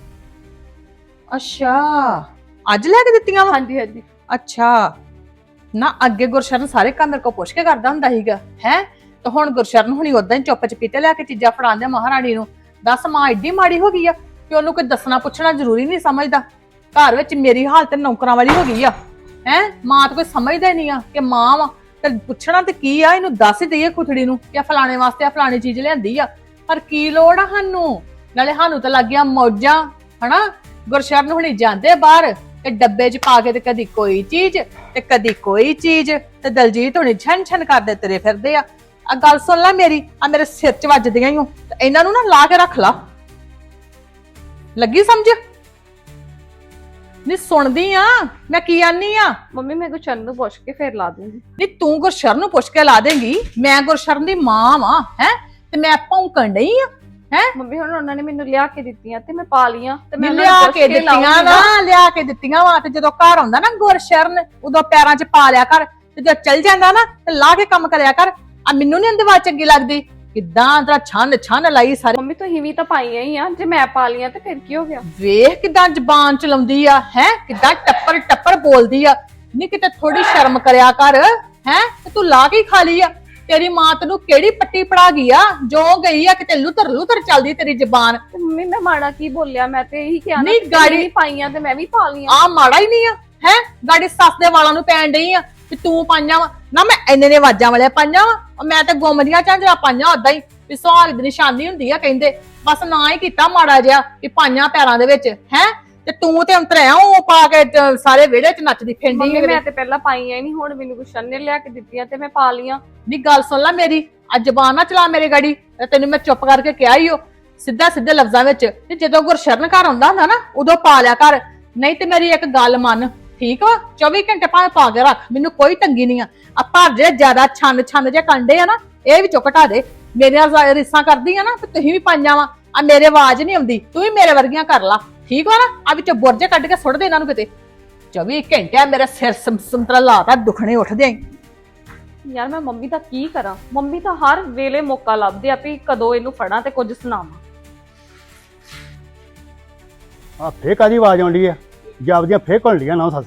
ਅੱਛਾ ਅੱਜ ਲੈ ਕੇ ਦਿੱਤੀਆਂ ਵਾ?
ਹਾਂਜੀ ਹਾਂਜੀ।
ਅੱਛਾ ਨਾ ਅੱਗੇ ਗੁਰਸ਼ਰਨ ਸਾਰੇ ਕੰਮ ਮੇਰੇ ਕੋਲ ਪੁੱਛ ਕੇ ਕਰਦਾ ਹੁੰਦਾ ਸੀਗਾ ਹੈ, ਤੇ ਹੁਣ ਗੁਰਸ਼ਰਨ ਹੁਣੀ ਉਦਾਂ ਹੀ ਚੁੱਪ ਚਪੀਤੇ ਲੈ ਕੇ ਚੀਜ਼ਾਂ ਫੜਾਉਂਦੇ ਮਹਾਰਾਣੀ ਨੂੰ। ਦੱਸ ਮਾਂ ਏਡੀ ਮਾੜੀ ਹੋ ਗਈ ਆ ਕਿ ਉਹਨੂੰ ਕੋਈ ਦੱਸਣਾ ਪੁੱਛਣਾ ਜ਼ਰੂਰੀ ਨਹੀਂ ਸਮਝਦਾ। ਘਰ ਵਿੱਚ ਮੇਰੀ ਹਾਲਤ ਨੌਕਰਾਂ ਵਾਲੀ ਹੋ ਗਈ ਆ ਹੈ। ਮਾਂ ਤਾਂ ਕੋਈ ਸਮਝਦਾ ਹੀ ਨਹੀਂ ਆ ਕਿ ਮਾਂ ਵਾ, ਤੇ ਪੁੱਛਣਾ ਤੇ ਕੀ ਆ, ਇਹਨੂੰ ਦੱਸ ਹੀ ਦਈਏ ਖੁਥੜੀ ਨੂੰ ਕਿ ਫਲਾਣੇ ਵਾਸਤੇ ਆ ਫਲਾਣੀ ਚੀਜ਼ ਲਿਆਂਦੀ ਆ। ਪਰ ਕੀ ਲੋੜ ਆ ਸਾਨੂੰ? ਨਾਲੇ ਸਾਨੂੰ ਤਾਂ ਲੱਗ ਗਿਆ ਮੌਜਾਂ ਹਨਾ। ਗੁਰਸ਼ਰਨ ਹੁਣੀ ਜਾਂਦੇ ਬਾਹਰ ਤੇ ਡੱਬੇ 'ਚ ਪਾ ਕੇ ਤੇ ਕਦੀ ਕੋਈ ਚੀਜ਼ ਤੇ ਕਦੀ ਕੋਈ ਚੀਜ਼, ਤੇ ਦਲਜੀਤ ਹੁਣੀ ਛਨ ਛਨ ਕਰਦੇ ਤੁਰੇ ਫਿਰਦੇ ਆ। ਆ ਗੱਲ ਸੁਣ ਲੈ ਮੇਰੀ, ਆ ਮੇਰੇ ਸਿਰ 'ਚ ਵੱਜਦੀਆਂ ਹੀ ਹੋ, ਤੇ ਇਹਨਾਂ ਨੂੰ ਨਾ ਲਾ ਕੇ ਰੱਖ ਲਾ। ਲੱਗੀ ਸਮਝ? ਨੀ ਸੁਣਦੀ ਆ ਮੈਂ ਕੀ ਆਨੀ ਆ?
ਮੰਮੀ ਮੈਂ ਗੁਸ਼ਨ ਨੂੰ ਪੁੱਛ ਕੇ ਫੇਰ ਲਾ ਦੂੰਗੀ।
ਨੀ ਤੂੰ ਗੁਰਸ਼ਰਨ ਨੂੰ ਪੁੱਛ ਕੇ ਲਾ ਦੇਂਗੀ? ਮੈਂ ਗੁਰਸ਼ਰਨ ਦੀ ਮਾਂ ਵਾਂ ਹੈ, ਤੇ ਮੈਂ ਭੌਂਕਣ ਡਈ ਆ ਹੈ?
ਮੰਮੀ ਹੁਣ ਉਹਨਾਂ ਨੇ ਮੈਨੂੰ ਲਿਆ ਕੇ ਦਿੱਤੀਆਂ ਤੇ ਮੈਂ ਪਾ ਲੀਆਂ ਤੇ ਮੈਂ ਉਹਨਾਂ ਨੂੰ
ਲਿਆ
ਪੁੱਛ
ਕੇ ਦਿੱਤੀਆਂ
ਲਾਊਂਗੀ
ਨਾ, ਲਿਆ ਕੇ ਦਿੱਤੀਆਂ ਵਾ। ਤੇ ਜਦੋਂ ਘਰ ਆਉਂਦਾ ਨਾ ਗੁਰਸ਼ਰਨ, ਉਦੋਂ ਪੈਰਾਂ 'ਚ ਪਾ ਲਿਆ ਕਰ, ਤੇ ਜਦੋਂ ਚੱਲ ਜਾਂਦਾ ਨਾ ਤੇ ਲਾ ਕੇ ਕੰਮ ਕਰਿਆ ਕਰ। ਆ ਮੈਨੂੰ ਨੀ ਅੰਦਵਾ ਚੰਗੀ ਲੱਗਦੀ ਕਿੱਦਾਂ ਤੇਰਾ ਛੰਨ ਛੰਨ ਲਾਈ ਸਾਰੇ।
ਮੰਮੀ ਤੁਸੀਂ ਵੀ ਤਾਂ ਪਾਈਆਂ ਹੀ ਆ, ਜੇ ਮੈਂ ਪਾ ਲੀਆਂ ਤੇ ਫਿਰ ਕੀ ਹੋ ਗਿਆ?
ਵੇਖ ਕਿੱਦਾਂ ਜ਼ਬਾਨ ਚਲਾਉਂਦੀ ਆ ਹੈ, ਕਿੱਦਾਂ ਟੱਪਰ ਟੱਪਰ ਬੋਲਦੀ ਆ। ਨੀ ਕਿਤੇ ਥੋੜੀ ਸ਼ਰਮ ਕਰਿਆ ਕਰ ਹੈ, ਤੇ ਤੂੰ ਲਾ ਕੇ ਖਾ ਲਈ ਆ। ਤੇਰੀ ਮਾਂ ਤੈਨੂੰ ਕਿਹੜੀ ਪੱਟੀ ਪੜਾ ਗਈ ਆ ਜੋ ਗਈ ਆ ਕਿਤੇ ਲੁਤਰ ਲੁਤਰ ਚੱਲਦੀ ਤੇਰੀ ਜ਼ਬਾਨ।
ਤੇ ਮੰਮੀ ਮੈਂ ਮਾੜਾ ਕੀ ਬੋਲਿਆ? ਮੈਂ ਤੇ ਇਹੀ ਕਿਹਾ ਨਾ
ਨਹੀਂ,
ਕਿ
ਗਾੜੀ-
ਤੁਸੀਂ ਪਾਈਆਂ ਤੇ ਮੈਂ ਵੀ ਪਾ ਲੀਆਂ।
ਆ ਮਾੜਾ ਹੀ ਨਹੀਂ ਆ ਹੈ, ਗਾੜੀ ਸੱਸ ਦੇ ਵਾਲਾਂ ਨੂੰ ਪੈਣ ਡਈ ਆ ਕਿ ਤੂੰ ਪਾਈਆਂ ਵਾ ਨਾ। ਮੈਂ ਇੰਨੇ ਨੇ ਵਾਜਾਂ ਵਾਲੇ ਪਾਈਆਂ ਵਾ, ਮੈਂ ਤੇ ਗੁੰਮ ਦੀਆਂ ਝਾਂਜਰਾਂ ਪਾਈਆਂ ਉਦਾਂ ਹੀ ਵੀ ਸੁਹਾਗ ਦੀ ਨਿਸ਼ਾਨੀ ਹੁੰਦੀ ਆ ਕਹਿੰਦੇ। ਬਸ ਨਾ ਹੀ ਕੀਤਾ ਮਾੜਾ ਜਿਹਾ ਕਿ ਪਾਈਆਂ ਪੈਰਾਂ ਦੇ ਵਿੱਚ ਹੈ, ਤੇ ਤੂੰ ਤੇ ਅੰਤਰਿਆ ਉਹ ਪਾ ਕੇ ਤੇ ਸਾਰੇ ਵਿਹੜੇ 'ਚ ਨੱਚਦੀ ਫਿਰਦੀ
ਮੰਮੀ
ਹੈ।
ਮੈਂ ਤੇ ਪਹਿਲਾਂ ਪਾਈਆਂ ਹੀ ਨਹੀਂ, ਹੁਣ ਮੈਨੂੰ ਗੁਸ਼ਨ ਨੇ ਲਿਆ ਕੇ ਦਿੱਤੀਆਂ ਤੇ ਮੈਂ ਪਾ ਲੀਆਂ।
ਨੀ ਗੱਲ ਸੁਣ ਲੈ ਮੇਰੀ, ਅੱਜ ਜ਼ਬਾਨ ਨਾ ਚਲਾ ਮੇਰੇ ਗਾੜੀ। ਤੇ ਤੈਨੂੰ ਮੈਂ ਚੁੱਪ ਕਰਕੇ ਕਿਹਾ ਹੀ ਉਹ ਸਿੱਧਾ ਸਿੱਧੇ ਲਫ਼ਜ਼ਾਂ ਵਿੱਚ, ਤੇ ਜਦੋਂ ਗੁਰਸ਼ਰਨ ਘਰ ਆਉਂਦਾ ਹੁੰਦਾ ਨਾ ਉਦੋਂ ਪਾ ਲਿਆ ਕਰ। ਨਹੀਂ ਤੇ ਮੇਰੀ ਇੱਕ ਗੱਲ ਮੰਨ ਠੀਕ ਵਾ, ਚੌਵੀ ਘੰਟੇ ਭਾਵੇਂ ਪਾ ਕੇ ਰੱਖ, ਮੈਨੂੰ ਕੋਈ ਤੰਗੀ ਨਹੀਂ ਆ। ਆ ਭਰ ਜਿਹੜੇ ਜ਼ਿਆਦਾ ਛੰਨ ਛੰਨ ਜੇ ਕੰਡੇ ਆ ਨਾ, ਇਹ ਵੀ ਚੁੱਕ ਢਾ ਦੇ। ਮੇਰੀਆਂ ਰਿਸਾਂ ਕਰਦੀ ਆ ਨਾ ਤੇ ਤੁਸੀਂ ਵੀ ਪਾਈਆਂ ਵਾ। ਆ ਮੇਰੇ ਆਵਾਜ਼ ਨਹੀਂ ਆਉਂਦੀ, ਤੂੰ ਵੀ ਮੇਰੇ ਵਰਗੀਆਂ ਕਰ ਲਾ ਠੀਕ ਵਾ ਨਾ। ਆ ਵਿੱਚੋਂ ਬੁਰਜੇ ਕੱਢ ਕੇ ਸੁੱਟ ਦੇ ਇਹਨਾਂ ਨੂੰ ਕਿਤੇ। ਚੌਵੀ ਘੰਟੇ ਮੇਰੇ ਸਿਰ ਸੰਤਰਾ ਲਾਤਾ ਦੁਖਣੇ ਉੱਠਦੇ ਆਂ।
ਯਾਰ ਮੈਂ ਮੰਮੀ ਦਾ ਕੀ ਕਰਾਂ? ਮੰਮੀ ਤਾਂ ਹਰ ਵੇਲੇ ਮੌਕਾ ਲੱਭਦੇ ਆ ਵੀ ਕਦੋਂ ਇਹਨੂੰ ਫੜਾਂ ਤੇ ਕੁਝ ਸੁਣਾਵਾਂ।
ਆ ਫੇਰ ਕਾਦੀ ਆਵਾਜ਼ ਆਉਂਦੀ ਆ? ਜਾਪਦੀਆਂ ਫੇਰ ਘੁਲ ਲੀਆਂ ਨਾ ਸੱਸ।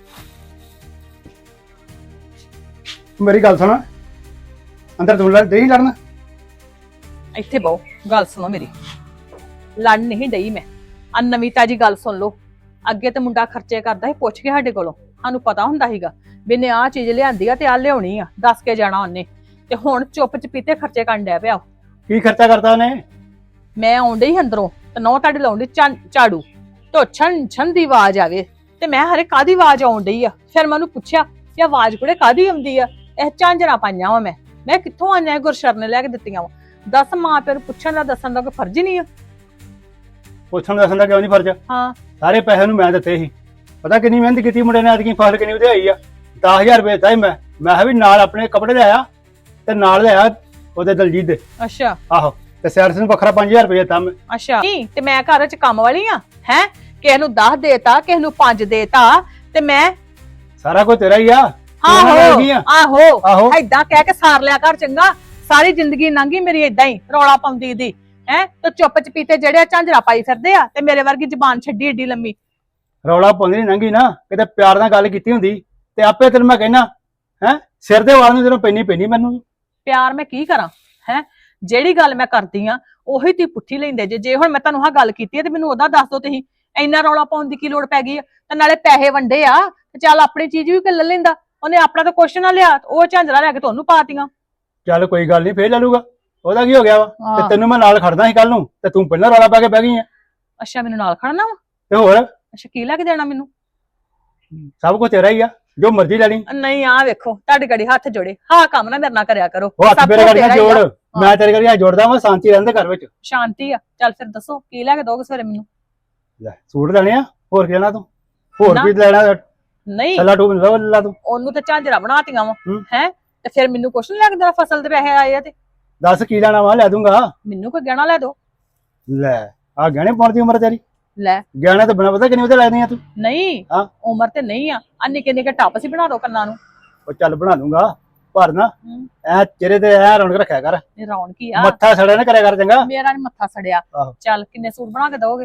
ਮੇਰੀ ਗੱਲ ਸੁਣ, ਅੰਦਰ ਤੂੰ ਲੜ ਦੇਈ ਲੜਨਾ?
ਇੱਥੇ ਬਹੁ, ਗੱਲ ਸੁਣੋ ਮੇਰੀ। ਲੜ ਨਹੀਂ ਡਈ ਮੈਂ। ਆ ਨਵੀਂ ਤਾਜੀ ਗੱਲ ਸੁਣ ਲਓ। ਅੱਗੇ ਤੇ ਮੁੰਡਾ ਖਰਚੇ ਕਰਦਾ ਸੀ ਪੁੱਛ ਕੇ ਸਾਡੇ ਕੋਲੋਂ, ਸਾਨੂੰ ਪਤਾ ਹੁੰਦਾ ਸੀਗਾ ਵੀ ਨੇ ਆਹ ਚੀਜ਼ ਲਿਆਂਦੀ ਆ ਤੇ ਆ ਲਿਆਉਣੀ ਆ, ਦੱਸ ਕੇ ਜਾਣਾ ਉਹਨੇ। ਤੇ ਹੁਣ ਚੁੱਪ ਚਪੀਤੇ ਖਰਚੇ ਕਰਨ ਡਿਆ ਪਿਆ।
ਕੀ ਖਰਚਾ ਕਰਤਾ ਉਹਨੇ?
ਮੈਂ ਆਉਂਦੇ ਹੀ ਅੰਦਰੋਂ ਤੇ ਨੌ ਤੁਹਾਡੇ ਲਾਉਂਦੀ ਝਾੜੂ ਤੋਂ ਛਣ ਛਣ ਦੀ ਆਵਾਜ਼ ਆਵੇ, ਤੇ ਮੈਂ ਹਰੇ ਕਾਦੀ ਆਵਾਜ਼ ਆਉਣ ਡਈ ਆ। ਫਿਰ ਮੈਂ ਉਹਨੂੰ ਪੁੱਛਿਆ ਕਿ ਆਵਾਜ਼ ਕੁੜੇ ਕਾਦੀ ਆਉਂਦੀ ਆ? ਇਹ ਝਾਂਜਰਾਂ ਪਾਈਆਂ ਵਾ ਮੈਂ ਮੈਂ ਕਿੱਥੋਂ ਆਈਆਂ? ਗੁਰਸ਼ਰਨ ਨੇ ਲੈ ਕੇ ਦਿੱਤੀਆਂ ਵਾ। ਦੱਸ ਮਾਂ ਪਿਓ ਨੂੰ ਪੁੱਛਣ ਦਾ ਦੱਸਣ ਦਾ ਕੋਈ ਫਰਜ਼ ਹੀ ਨਹੀਂ ਆ।
ਪੁੱਛਣ ਦੱਸਣ ਦਾ ਕਿਉਂ ਨਹੀਂ ਫਰਜ਼?
ਹਾਂ
ਸਾਰੇ ਪੈਸੇ ਨੂੰ ਮੈਂ ਦਿੱਤੇ ਸੀ। ਪਤਾ ਕਿੰਨੀ ਮਿਹਨਤ ਕੀਤੀ ਮੁੰਡੇ ਨੇ, ਐਤਕੀ ਫਸਲ ਕਿੰਨੀ ਵਧਾਈ ਆ। ਦਸ ਹਜ਼ਾਰ ਰੁਪਏ ਦਿੱਤਾ ਸੀ ਮੈਂ ਮੈਂ ਕਿਹਾ ਵੀ ਨਾਲ ਆਪਣੇ ਕੱਪੜੇ ਲਿਆਇਆ ਤੇ ਨਾਲ ਲਿਆਇਆ ਉਹਦੇ ਦਲਜੀਤ ਦੇ।
ਅੱਛਾ
ਆਹੋ ਤੇ ਸੈਰਸ ਨੂੰ ਵੱਖਰਾ ਪੰਜ ਹਜ਼ਾਰ ਰੁਪਏ ਦਿੱਤਾ ਮੈਂ।
ਅੱਛਾ ਨਹੀਂ ਤੇ ਮੈਂ ਘਰ ਚ ਕੰਮ ਵਾਲੀ ਆ ਹੈ ਕਿਸੇ ਨੂੰ ਦਸ ਦੇਤਾ ਕਿਸੇ ਨੂੰ ਪੰਜ ਦੇਤਾ ਤੇ ਮੈਂ
ਸਾਰਾ ਕੁਝ ਤੇਰਾ ਹੀ ਆ। ਤੂੰ ਉਹਨਾਂ ਨਾਲ
ਆਹੋ
ਲੱਗੀ ਆ।
ਆਹੋ
ਆਹੋ
ਏਦਾਂ ਕਹਿ ਕੇ ਸਾਰ ਲਿਆ ਕਰ ਚੰਗਾ। ਸਾਰੀ ਜ਼ਿੰਦਗੀ ਲੰਘੀ ਮੇਰੀ ਏਦਾਂ ਹੀ ਰੌਲਾ ਪਾਉਂਦੀ ਦੀ ਹੈ ਤੇ ਚੁੱਪ ਚਪੀਤੇ ਜਿਹੜੇ ਝਾਂਜਰਾ ਪਾਈ ਫਿਰਦੇ ਆ ਤੇ ਮੇਰੇ ਵਰਗੀ ਜ਼ਬਾਨ ਛੱਡੀ ਏਡੀ ਲੰਮੀ।
ਰੌਲਾ ਪਾਉਂਦੀ ਨਹੀਂ ਲੰਘੀ ਨਾ, ਕਿਤੇ ਪਿਆਰ ਨਾਲ ਗੱਲ ਕੀਤੀ ਹੁੰਦੀ ਤੇ ਆਪੇ ਤੈਨੂੰ ਮੈਂ ਕਹਿਣਾ ਹੈ ਸਿਰ ਦੇ ਵਾਲ ਨੂੰ ਤੈਨੂੰ ਪੈਣੀ ਪੈਣੀ ਮੈਨੂੰ।
ਪਿਆਰ ਮੈਂ ਕੀ ਕਰਾਂ ਹੈ ਜਿਹੜੀ ਗੱਲ ਮੈਂ ਕਰਦੀ ਆ ਉਹੀ ਤੀ ਪੁੱਠੀ ਲੈਂਦੇ ਜੇ ਜੇ ਹੁਣ ਮੈਂ ਤੁਹਾਨੂੰ ਆਹ ਗੱਲ ਕੀਤੀ ਹੈ ਤੇ ਮੈਨੂੰ ਉਹਦਾ ਦੱਸ ਦੋ ਤੁਸੀਂ ਇੰਨਾ ਰੌਲਾ ਪਾਉਣ ਦੀ ਕੀ ਲੋੜ ਪੈ ਗਈ ਆ ਤੇ ਨਾਲੇ ਪੈਸੇ ਵੰਡੇ ਆ ਤੇ ਚੱਲ ਆਪਣੀ ਚੀਜ਼ ਵੀ ਲੈ ਲੈਂਦਾ। ਉਹਨੇ ਆਪਣਾ ਤਾਂ ਕੁਛ ਨਾ ਲਿਆ ਉਹ ਝਾਂਜਰਾ ਲੈ ਕੇ ਤੁਹਾਨੂੰ ਪਾਤੀਆਂ।
ਚੱਲ ਕੋਈ ਗੱਲ ਨਹੀਂ ਫੇਰ ਲੈ ਲੂਗਾ, ਉਹਦਾ ਕੀ ਹੋ ਗਿਆ ਵਾ।
ਹਾਂ।
ਤੇ ਤੈਨੂੰ ਮੈਂ ਨਾਲ ਖੜਦਾ ਸੀ ਕੱਲ ਨੂੰ ਤੇ ਤੂੰ ਪਹਿਲਾਂ ਰੌਲਾ ਪਾ ਕੇ ਬਹਿ ਗਈ ਆ।
ਅੱਛਾ ਮੈਨੂੰ ਨਾਲ ਖੜਨਾ ਵਾ।
ਤੇ ਹੋਰ
ਅੱਛਾ ਕੀ ਲੈ ਕੇ ਦੇਣਾ ਮੈਨੂੰ?
ਸਭ ਕੁਝ ਤੇਰਾ ਹੀ ਆ, ਜੋ ਮਰਜ਼ੀ ਲੈ ਲਈ।
ਨਹੀਂ ਆ ਵੇਖੋ ਤੁਹਾਡੇ ਗੜੀ ਹੱਥ ਜੋੜੇ ਹਾਂ ਕੰਮ ਨਾ ਮੇਰੇ ਨਾਲ ਕਰਿਆ ਕਰੋ।
ਉਹ ਹੱਥ
ਸਭ
ਮੇਰੇ
ਕੁਝ
ਗੜੀਆਂ
ਤੇਰਾ ਹੀ ਆ।
ਜੋੜ, ਮੈਂ ਤੇਰੇ ਗੜੀਆਂ ਜੋੜਦਾ ਵਾਂ, ਸ਼ਾਂਤੀ ਰਹਿੰਦੇ ਘਰ ਵਿੱਚ।
ਸ਼ਾਂਤੀ ਆ। ਚੱਲ ਫਿਰ ਦੱਸੋ ਕੀ ਲੈ ਕੇ ਦੋਗੇ ਸਵੇਰੇ ਮੈਨੂੰ?
ਲੈ ਸੂਟ ਲੈਣੇ ਆ, ਹੋਰ ਕੀ ਲੈਣਾ ਤੂੰ? ਹੋਰ
ਨਾ।
ਕੀ ਲੈਣਾ?
ਨਹੀਂ
ਸੱਲਾ ਟੂਬ ਲੈ ਲੈ ਤੂੰ।
ਉਹਨੂੰ ਤੇ ਝਾਂਜਰਾ ਬਣਾਤੀਆਂ ਵਾ
ਹੂੰ।
ਹੈ ਤੇ ਫਿਰ ਮੈਨੂੰ ਕੁਛ ਨੀ ਲੈ ਕੇ ਦੇਣਾ? ਫਸਲ ਦੇ ਪੈਸੇ ਆਏ ਆ ਤੇ
ਦੱਸ ਕੀ ਲੈਣਾ ਵਾ, ਲੈ ਦੂੰਗਾ।
ਮੈਨੂੰ ਕੋਈ ਗਹਿਣਾ ਲੈ ਦੋ।
ਲੈ ਆ ਗਹਿਣੇ ਪਾਉਣ ਦੀ ਉਮਰ ਤੇਰੀ?
ਲੈ
ਗਹਿਣੇ ਤਾਂ ਬਿਨਾਂ ਪਤਾ ਕਿੰਨੇ ਉਹਦੇ ਲੱਗਦੇ ਆ ਤੂੰ।
ਨਹੀਂ
ਹਾਂ।
ਉਮਰ ਤੇ ਨਹੀਂ ਆ ਆ ਨਿੱਕੇ ਨਿੱਕੇ ਟੱਪ ਸੀ ਬਣਾ ਦੋ ਕੰਨਾਂ ਨੂੰ।
ਉਹ ਚੱਲ ਬਣਾ ਦੂੰਗਾ, ਪਰ ਨਾ
ਹੂੰ।
ਐ ਚਿਹਰੇ ਤੇ ਐ ਰੌਣਕ ਰੱਖਿਆ ਕਰ,
ਇਹ ਰੌਣ ਕੀ ਆ?
ਮੱਥਾ ਸੜਿਆ ਨਾ ਕਰਿਆ ਕਰ ਚੰਗਾ।
ਮੇਰਾ ਨੀ ਮੱਥਾ ਸੜਿਆ।
ਆਹੋ।
ਚੱਲ ਕਿੰਨੇ ਸੂਟ ਬਣਾ ਕੇ ਦੋਗੇ?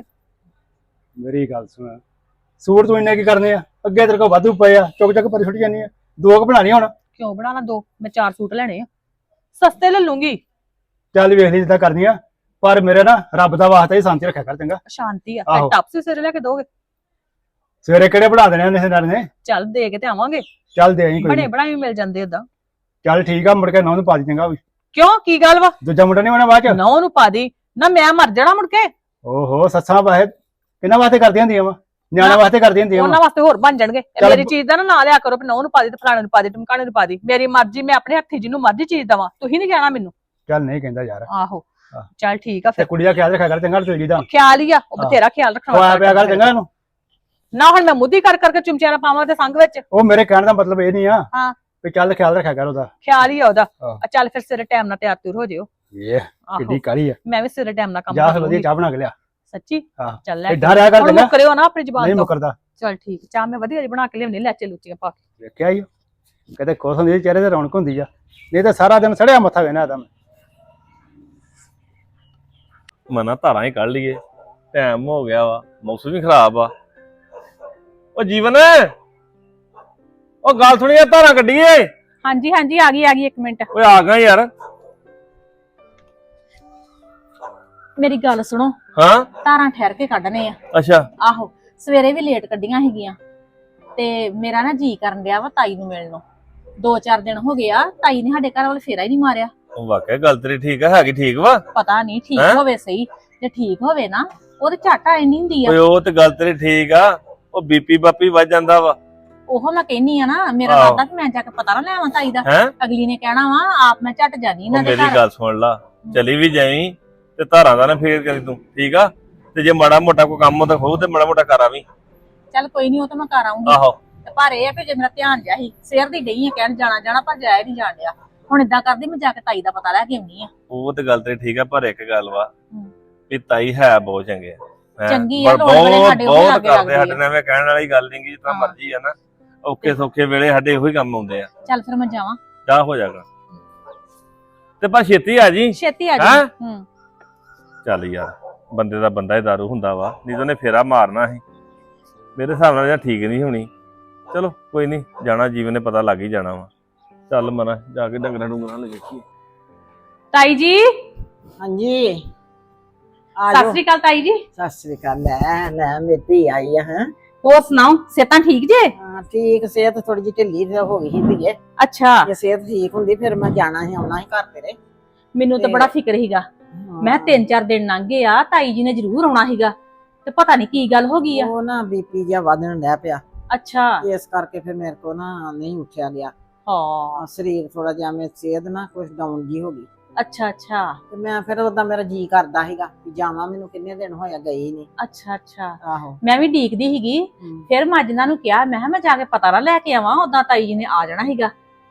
ਮੇਰੀ ਗੱਲ ਸੁਣ, ਸੂਟ ਤੂੰ ਇੰਨੇ ਕੀ ਕਰਨੇ ਆ? ਅੱਗੇ ਤੇਰੇ ਕੋਲ ਵਾਧੂ ਪਏ ਆ, ਚੁੱਕ ਚੁੱਕ ਪਰ ਛੁੱਟ ਜਾਂਦੀ ਆ। ਦੋ ਕੁ ਬਣਾਣੀ ਹੁਣ।
ਕਿਉਂ ਬਣਾਣਾ ਦੋ? ਮੈਂ ਚਾਰ ਸੂਟ ਲੈਣੇ ਆ ਸਸਤੇ ਲੈ ਲੂੰਗੀ।
ਚੱਲ ਵੇਖ ਲਈ ਜਿੱਦਾਂ ਕਰਨੀ ਆ, ਪਰ ਮੇਰੇ ਨਾ ਰੱਬ ਦਾ ਵਾਸਤਾ ਹੀ ਸ਼ਾਂਤੀ ਰੱਖਿਆ ਕਰ ਚੰਗਾ।
ਸ਼ਾਂਤੀ ਆ।
ਆਹੋ।
ਫਿਰ ਟੱਪ ਸੀ ਸਿਰੇ ਲੈ ਕੇ ਦੋਗੇ?
ਸਵੇਰੇ ਕਿਹੜੇ ਬਣਾ ਦੇਣੇ ਨੇ ਨਾਲ ਨੇ?
ਚੱਲ ਦੇ ਕੇ ਤੇ ਆਵਾਂਗੇ।
ਚੱਲ ਦੇ ਆਈ ਕੋਈ
ਬਣੇ
ਨੀ।
ਬਣਾਏ ਵੀ ਮਿਲ ਜਾਂਦੇ ਓਦਾਂ।
ਚੱਲ ਠੀਕ ਆ, ਮੁੜ ਕੇ ਨੌਂ ਨੂੰ ਪਾ ਦੀ ਚੰਗਾ ਵੀ।
ਕਿਉਂ ਕੀ ਗੱਲ ਵਾ?
ਦੂਜਾ ਮੁੰਡਾ ਨਹੀਂ ਹੋਣਾ ਬਾਅਦ ਚ।
ਨੌ ਨੂੰ ਪਾ ਦੀ ਨਾ ਮੈਂ ਮਰ ਜਾਣਾ ਮੁੜ ਕੇ।
ਓਹੋ ਸੱਸਾਂ ਵਾਹੇ ਕਿਹਨਾਂ ਵਾਸਤੇ ਕਰਦੀਆਂ ਹੁੰਦੀਆਂ ਵਾ? ਨਿਆਣੇ ਵਾਸਤੇ ਕਰਦੀਆਂ ਹੁੰਦੀਆਂ
ਉਹਨਾਂ
ਵਾ।
ਵਾਸਤੇ ਹੋਰ ਬਣ ਜਾਣਗੇ। ਇਹ
ਚੱਲ
ਮੇਰੀ ਚੀਜ਼ ਦਾ ਨਾ ਨਾਂ ਲਿਆ ਕਰੋ ਵੀ ਨੌ ਨੂੰ ਪਾ ਦੀ ਤੇ ਫਲਾਣੇ ਨੂੰ ਪਾ ਦੀ ਟਮਕਾਣੇ ਨੂੰ ਪਾ ਦੀ। ਮੇਰੀ ਮਰਜ਼ੀ, ਮੈਂ ਆਪਣੇ ਹੱਥੀ ਜਿਹਨੂੰ ਮਰਜ਼ੀ ਚੀਜ਼ ਦਵਾਂ, ਤੁਸੀਂ ਨਹੀਂ ਕਹਿਣਾ ਮੈਨੂੰ।
ਚੱਲ ਨਹੀਂ ਕਹਿੰਦਾ ਯਾਰ।
ਆਹੋ
ਆਹ।
ਚੱਲ ਠੀਕ ਆ
ਤੇ
ਫਿਰ।
ਕੁੜੀ ਦਾ ਖਿਆਲ ਰੱਖਿਆ ਕਰ ਚੰਗਾ, ਤੇਰੀ ਦਾ
ਖਿਆਲ ਹੀ ਆ ਉਹ
ਹਾਂ।
ਬਥੇਰਾ ਖਿਆਲ ਰੱਖਣਾ।
ਖਵਾਇਆ ਪਿਆ ਕਰ ਚੰਗਾ ਇਹਨੂੰ।
ਨਾ ਹੁਣ ਮੈਂ ਮੁੱਦੀ ਕਰ ਕਰਕੇ ਚੁੰਮਚਿਆਂ ਨਾਲ ਪਾਵਾਂ ਤੇ ਸੰਗ ਵਿੱਚ।
ਉਹ ਮੇਰੇ ਕਹਿਣ ਦਾ ਮਤਲਬ ਇਹ ਨਹੀਂ ਆ
ਹਾਂ।
ਵੀ ਚੱਲ ਖਿਆਲ ਰੱਖਿਆ ਕਰ ਉਹਦਾ।
ਖਿਆਲ ਹੀ ਆ ਉਹਦਾ।
ਹਾਂ।
ਆ ਚੱਲ ਫਿਰ ਸਵੇਰੇ ਟਾਈਮ ਨਾਲ ਤਿਆਰ ਤੁਰ ਹੋ ਜਿਓ।
ਇਹ
ਆਹੋ
ਕਿੱਡੀ ਕਾਲੀ ਆ।
ਮੈਂ ਵੀ ਸਵੇਰੇ ਟਾਈਮ ਨਾਲ ਕੰਮ
ਜਾ
ਕਰ
ਫਿਰ ਵਧੀਆ
ਲੂੰਗੀ।
ਚਾਹ ਬਣਾ ਕੇ ਲਿਆ।
ਸੱਚੀ
ਹਾਂ।
ਚੱਲ ਲੈ
ਏਦਾਂ ਰਿਹਾ ਕਰ
ਹੁਣ
ਚੰਗਾ,
ਮੁੱਕਰਿਓ ਨਾ ਆਪਣੀ ਜ਼ੁਬਾਨ
ਨਹੀਂ
ਤੋਂ।
ਮੁਕਰਦਾ।
ਚੱਲ ਠੀਕ, ਚਾਹ ਮੈਂ ਵਧੀਆ ਜਿਹੀ ਬਣਾ ਕੇ ਲਿਆਉਣੀ ਲੈਚੇ ਲੁੱਚੀਆਂ ਪਾ ਕੇ।
ਵੇਖਿਆ ਹੀ ਕਦੇ ਖੁਸ਼ ਹੁੰਦੀ ਚਿਹਰੇ ਤੇ ਰੌਣਕ ਹੁੰਦੀ ਆ, ਨਹੀਂ ਤਾਂ ਸਾਰਾ ਦਿਨ ਸੜਿਆ ਮੱਥਾ ਵੇਨਾ ਇਹਦਾ। ਮੈਂ
ਮਨਾ ਧਾਰਾਂ ਹੀ ਕੱਢ ਲਈਏ, ਟਾਈਮ ਹੋ ਗਿਆ ਵਾ, ਮੌਸਮ ਵੀ ਖਰਾਬ ਆ। ਉਹ ਜੀਵਨ, ਉਹ ਗੱਲ ਸੁਣੀ ਆ, ਧਾਰਾਂ ਕੱਢੀਏ।
ਹਾਂਜੀ ਹਾਂਜੀ ਆ ਗਈ ਆ ਗਈ ਇੱਕ ਮਿੰਟ।
ਓਏ ਆ ਗਿਆ ਯਾਰ।
ਮੇਰੀ ਗੱਲ ਸੁਣੋ,
ਹਾਂ
ਧਾਰਾਂ ਠਹਿਰ ਕੇ ਕੱਢਣੇ ਆ।
ਅੱਛਾ।
ਆਹੋ ਸਵੇਰੇ ਵੀ ਲੇਟ ਕੱਢੀਆਂ ਹੈਗੀਆਂ ਤੇ ਮੇਰਾ ਨਾ ਜੀ ਕਰਨ ਡਿਆ ਵਾ ਤਾਈ ਨੂੰ ਮਿਲਣ ਨੂੰ। ਦੋ ਚਾਰ ਦਿਨ ਹੋ ਗਏ ਆ ਤਾਈ ਨੇ ਸਾਡੇ ਘਰ ਵੱਲ ਫੇਰਾ ਹੀ ਨਹੀਂ ਮਾਰਿਆ।
ਉਹ ਵਾਕਿਆ ਗੱਲ ਤੇਰੀ ਠੀਕ ਆ, ਹੈਗੀ ਠੀਕ ਵਾ।
ਪਤਾ ਨਹੀਂ ਠੀਕ
ਹੈਂ?
ਹੋਵੇ ਸਹੀ, ਜੇ ਠੀਕ ਹੋਵੇ ਨਾ ਉਹਦੇ ਝੱਟ ਆਏ ਨਹੀਂ ਹੁੰਦੀ ਆ।
ਓਏ ਉਹ ਤੇ ਗੱਲ ਤੇਰੀ ਠੀਕ ਆ, ਉਹ ਬੀਪੀ ਬਾਪੀ ਵੱਜ ਜਾਂਦਾ ਵਾ।
ਉਹ ਮੈਂ ਕਹਿੰਨੀ ਆ ਨਾ, ਮੇਰਾ
ਆਹੋ।
ਦਾਦਾ ਤੇ ਮੈਂ ਜਾ ਕੇ ਪਤਾ ਨਾ ਲੈਵਾਂ ਤਾਈ ਦਾ।
ਹੈਂ?
ਅਗਲੀ ਨੇ ਕਹਿਣਾ ਵਾ ਆਪ ਮੈਂ ਝੱਟ ਜਾਨੀ
ਉਹ
ਇਹਨਾਂ ਦੇ
ਮੇਰੀ
ਘਰ।
ਗੱਲ ਸੁਣ ਲਾ, ਚਲੀ ਵੀ ਜਾਵੀਂ ਤੇ ਧਾਰਾਂ ਦਾ ਨਾ ਫੇਰ ਕਰੀ ਤੂੰ, ਠੀਕ ਆ? ਤੇ ਜੇ ਮਾੜਾ ਮੋਟਾ ਕੋਈ ਕੰਮ ਹੁੰਦਾ ਹੋਊ ਤੇ ਮਾੜਾ ਮੋਟਾ ਕਰ ਆਵੀਂ।
ਚੱਲ ਕੋਈ ਨਹੀਂ, ਉਹ ਤਾਂ ਮੈਂ ਕਰ ਆਉਂਗੀ।
ਆਹੋ।
ਤੇ ਪਰ ਇਹ ਆ ਵੀ ਜੇ ਮੇਰਾ ਧਿਆਨ ਜਿਹਾ ਸੀ ਸਿਰ ਦੀ ਡਈ ਆ ਕਹਿਣ ਜਾਣਾ ਜਾਣਾ, ਪਰ ਜਾਇਆ ਨਹੀਂ ਜਾਣ ਡਿਆ। ਹੁਣ ਏਦਾਂ ਕਰਦੀ ਮੈਂ ਜਾ ਕੇ ਤਾਈ ਦਾ ਪਤਾ ਲੈ ਕੇ ਆਉਣੀ ਆ।
ਉਹ ਤੇ ਗੱਲ ਤੇਰੀ ਠੀਕ ਆ, ਪਰ ਇੱਕ ਗੱਲ ਵਾ
ਹੂੰ।
ਵੀ ਤਾਈ ਹੈ ਬਹੁਤ ਚੰਗੇ ਆ। ਹੈਂ?
ਚੰਗੀ ਆ,
ਪਰ
ਲੋੜ ਵੇਲੇ
ਬਹੁਤ
ਸਾਡੇ ਉਹਦੇ
ਬਹੁਤ
ਲਾਗੇ
ਕਰਦੇ
ਲੱਗਦੀ ਆ।
ਸਾਡੇ ਨਾਲ, ਮੈਂ ਕਹਿਣ ਵਾਲੀ ਗੱਲ ਨਹੀਂ ਗੀ, ਜਿਸ ਤਰ੍ਹਾਂ
ਹਾਂ।
ਮਰਜ਼ੀ ਆ ਨਾ, ਔਖੇ ਸੌਖੇ ਵੇਲੇ ਸਾਡੇ ਉਹੀ ਕੰਮ ਆਉਂਦੇ ਆ।
ਚੱਲ ਫਿਰ ਮੈਂ ਜਾਵਾਂ।
ਜਾ ਹੋ ਜਾਗਾ ਤੇ ਪਰ ਛੇਤੀ ਆ ਜੀ।
ਛੇਤੀ ਆ ਜਾ।
ਹੈਂ?
ਹੂੰ।
ਚੱਲ ਯਾਰ, ਬੰਦੇ ਦਾ ਬੰਦਾ ਹੀ ਦਾਰੂ ਹੁੰਦਾ ਵਾ, ਨਹੀਂ ਤਾਂ ਉਹਨੇ ਫੇਰਾ ਮਾਰਨਾ ਸੀ। ਮੇਰੇ ਹਿਸਾਬ ਨਾਲ ਜਾਂ ਠੀਕ ਨਹੀਂ ਹੋਣੀ। ਚਲੋ ਕੋਈ ਨਹੀਂ, ਜਾਣਾ ਜੀਵਨ ਨੇ ਪਤਾ ਲੱਗ ਹੀ ਜਾਣਾ ਵਾ। ਚੱਲ ਮਨਾ ਜਾ ਕੇ ਡੰਗਰਾਂ ਡੁੰਗਰਾਂ ਲੈ ਵੇਖੀਏ।
ਤਾਈ ਜੀ
ਹਾਂਜੀ ਆ
ਸਤਿ
ਜਾਓ।
ਸ੍ਰੀ ਅਕਾਲ ਤਾਈ ਜੀ।
ਸਤਿ ਸ੍ਰੀ ਅਕਾਲ। ਲੈ ਲੈ ਮੇਰੀ ਧੀ ਆਈ ਆ। ਹੈ
ਹੋਰ ਸੁਣਾਓ, ਸਿਹਤਾਂ ਠੀਕ ਜੇ?
ਹਾਂ ਠੀਕ, ਸਿਹਤ ਥੋੜੀ ਜਿਹੀ ਢਿੱਲੀ ਤੇ ਹੋ ਗਈ ਸੀ ਧੀਏ।
ਅੱਛਾ।
ਜੇ ਸਿਹਤ ਠੀਕ ਹੁੰਦੀ ਫਿਰ ਮੈਂ ਜਾਣਾ ਸੀ, ਆਉਣਾ ਸੀ ਘਰ ਤੇਰੇ।
ਮੈਨੂੰ ਤਾਂ
ਤੇ-
ਬੜਾ ਫਿਕਰ ਸੀਗਾ, ਮੈਂ ਤਿੰਨ ਚਾਰ ਦਿਨ ਲੰਘ ਗਏ ਆ, ਤਾਈ ਜੀ ਨੇ ਜ਼ਰੂਰ ਆਉਣਾ ਸੀਗਾ ਤੇ ਪਤਾ ਨਹੀਂ ਕੀ ਗੱਲ ਹੋ ਗਈ ਆ।
ਉਹ ਨਾ ਬੀਪੀ ਜਿਹਾ ਵਧਣ ਡਿਆ ਪਿਆ,
ਅੱਛਾ।
ਇਸ ਕਰਕੇ ਫਿਰ ਮੇਰੇ ਕੋ ਨਾ ਨਹੀਂ ਉੱਠਿਆ ਗਿਆ।
ਹਾਂ।
ਆ ਸਰੀਰ ਥੋੜਾ ਜਿਹਾ, ਮੇਰੀ ਸਿਹਤ ਨਾ ਕੁਝ ਡਾਊਨ ਜੀ ਹੋ ਗਈ
ਅੱਛਾ ਅੱਛਾ
ਤੇ ਮੈਂ ਫਿਰ ਉਦਾਂ ਮੇਰਾ ਜੀ ਕਰਦਾ ਸੀਗਾ ਕਿ ਜਾਵਾਂ, ਮੈਨੂੰ ਕਿੰਨੇ ਦਿਨ ਹੋਇਆ ਗਈ ਨਹੀਂ।
ਅੱਛਾ ਅੱਛਾ।
ਆਹੋ।
ਮੈਂ ਵੀ ਡੀਕਦੀ ਸੀਗੀ,
ਹਮ।
ਫਿਰ ਮੈਂ ਅੱਜ ਇਹਨਾਂ ਨੂੰ ਕਿਹਾ, ਮੈਂ ਕਿਹਾ ਮੈਂ ਜਾ ਕੇ ਪਤਾ ਨਾ ਲੈ ਕੇ ਆਵਾਂ, ਉਦਾਂ ਤਾਈ ਜੀ ਨੇ ਆ ਜਾਣਾ ਸੀਗਾ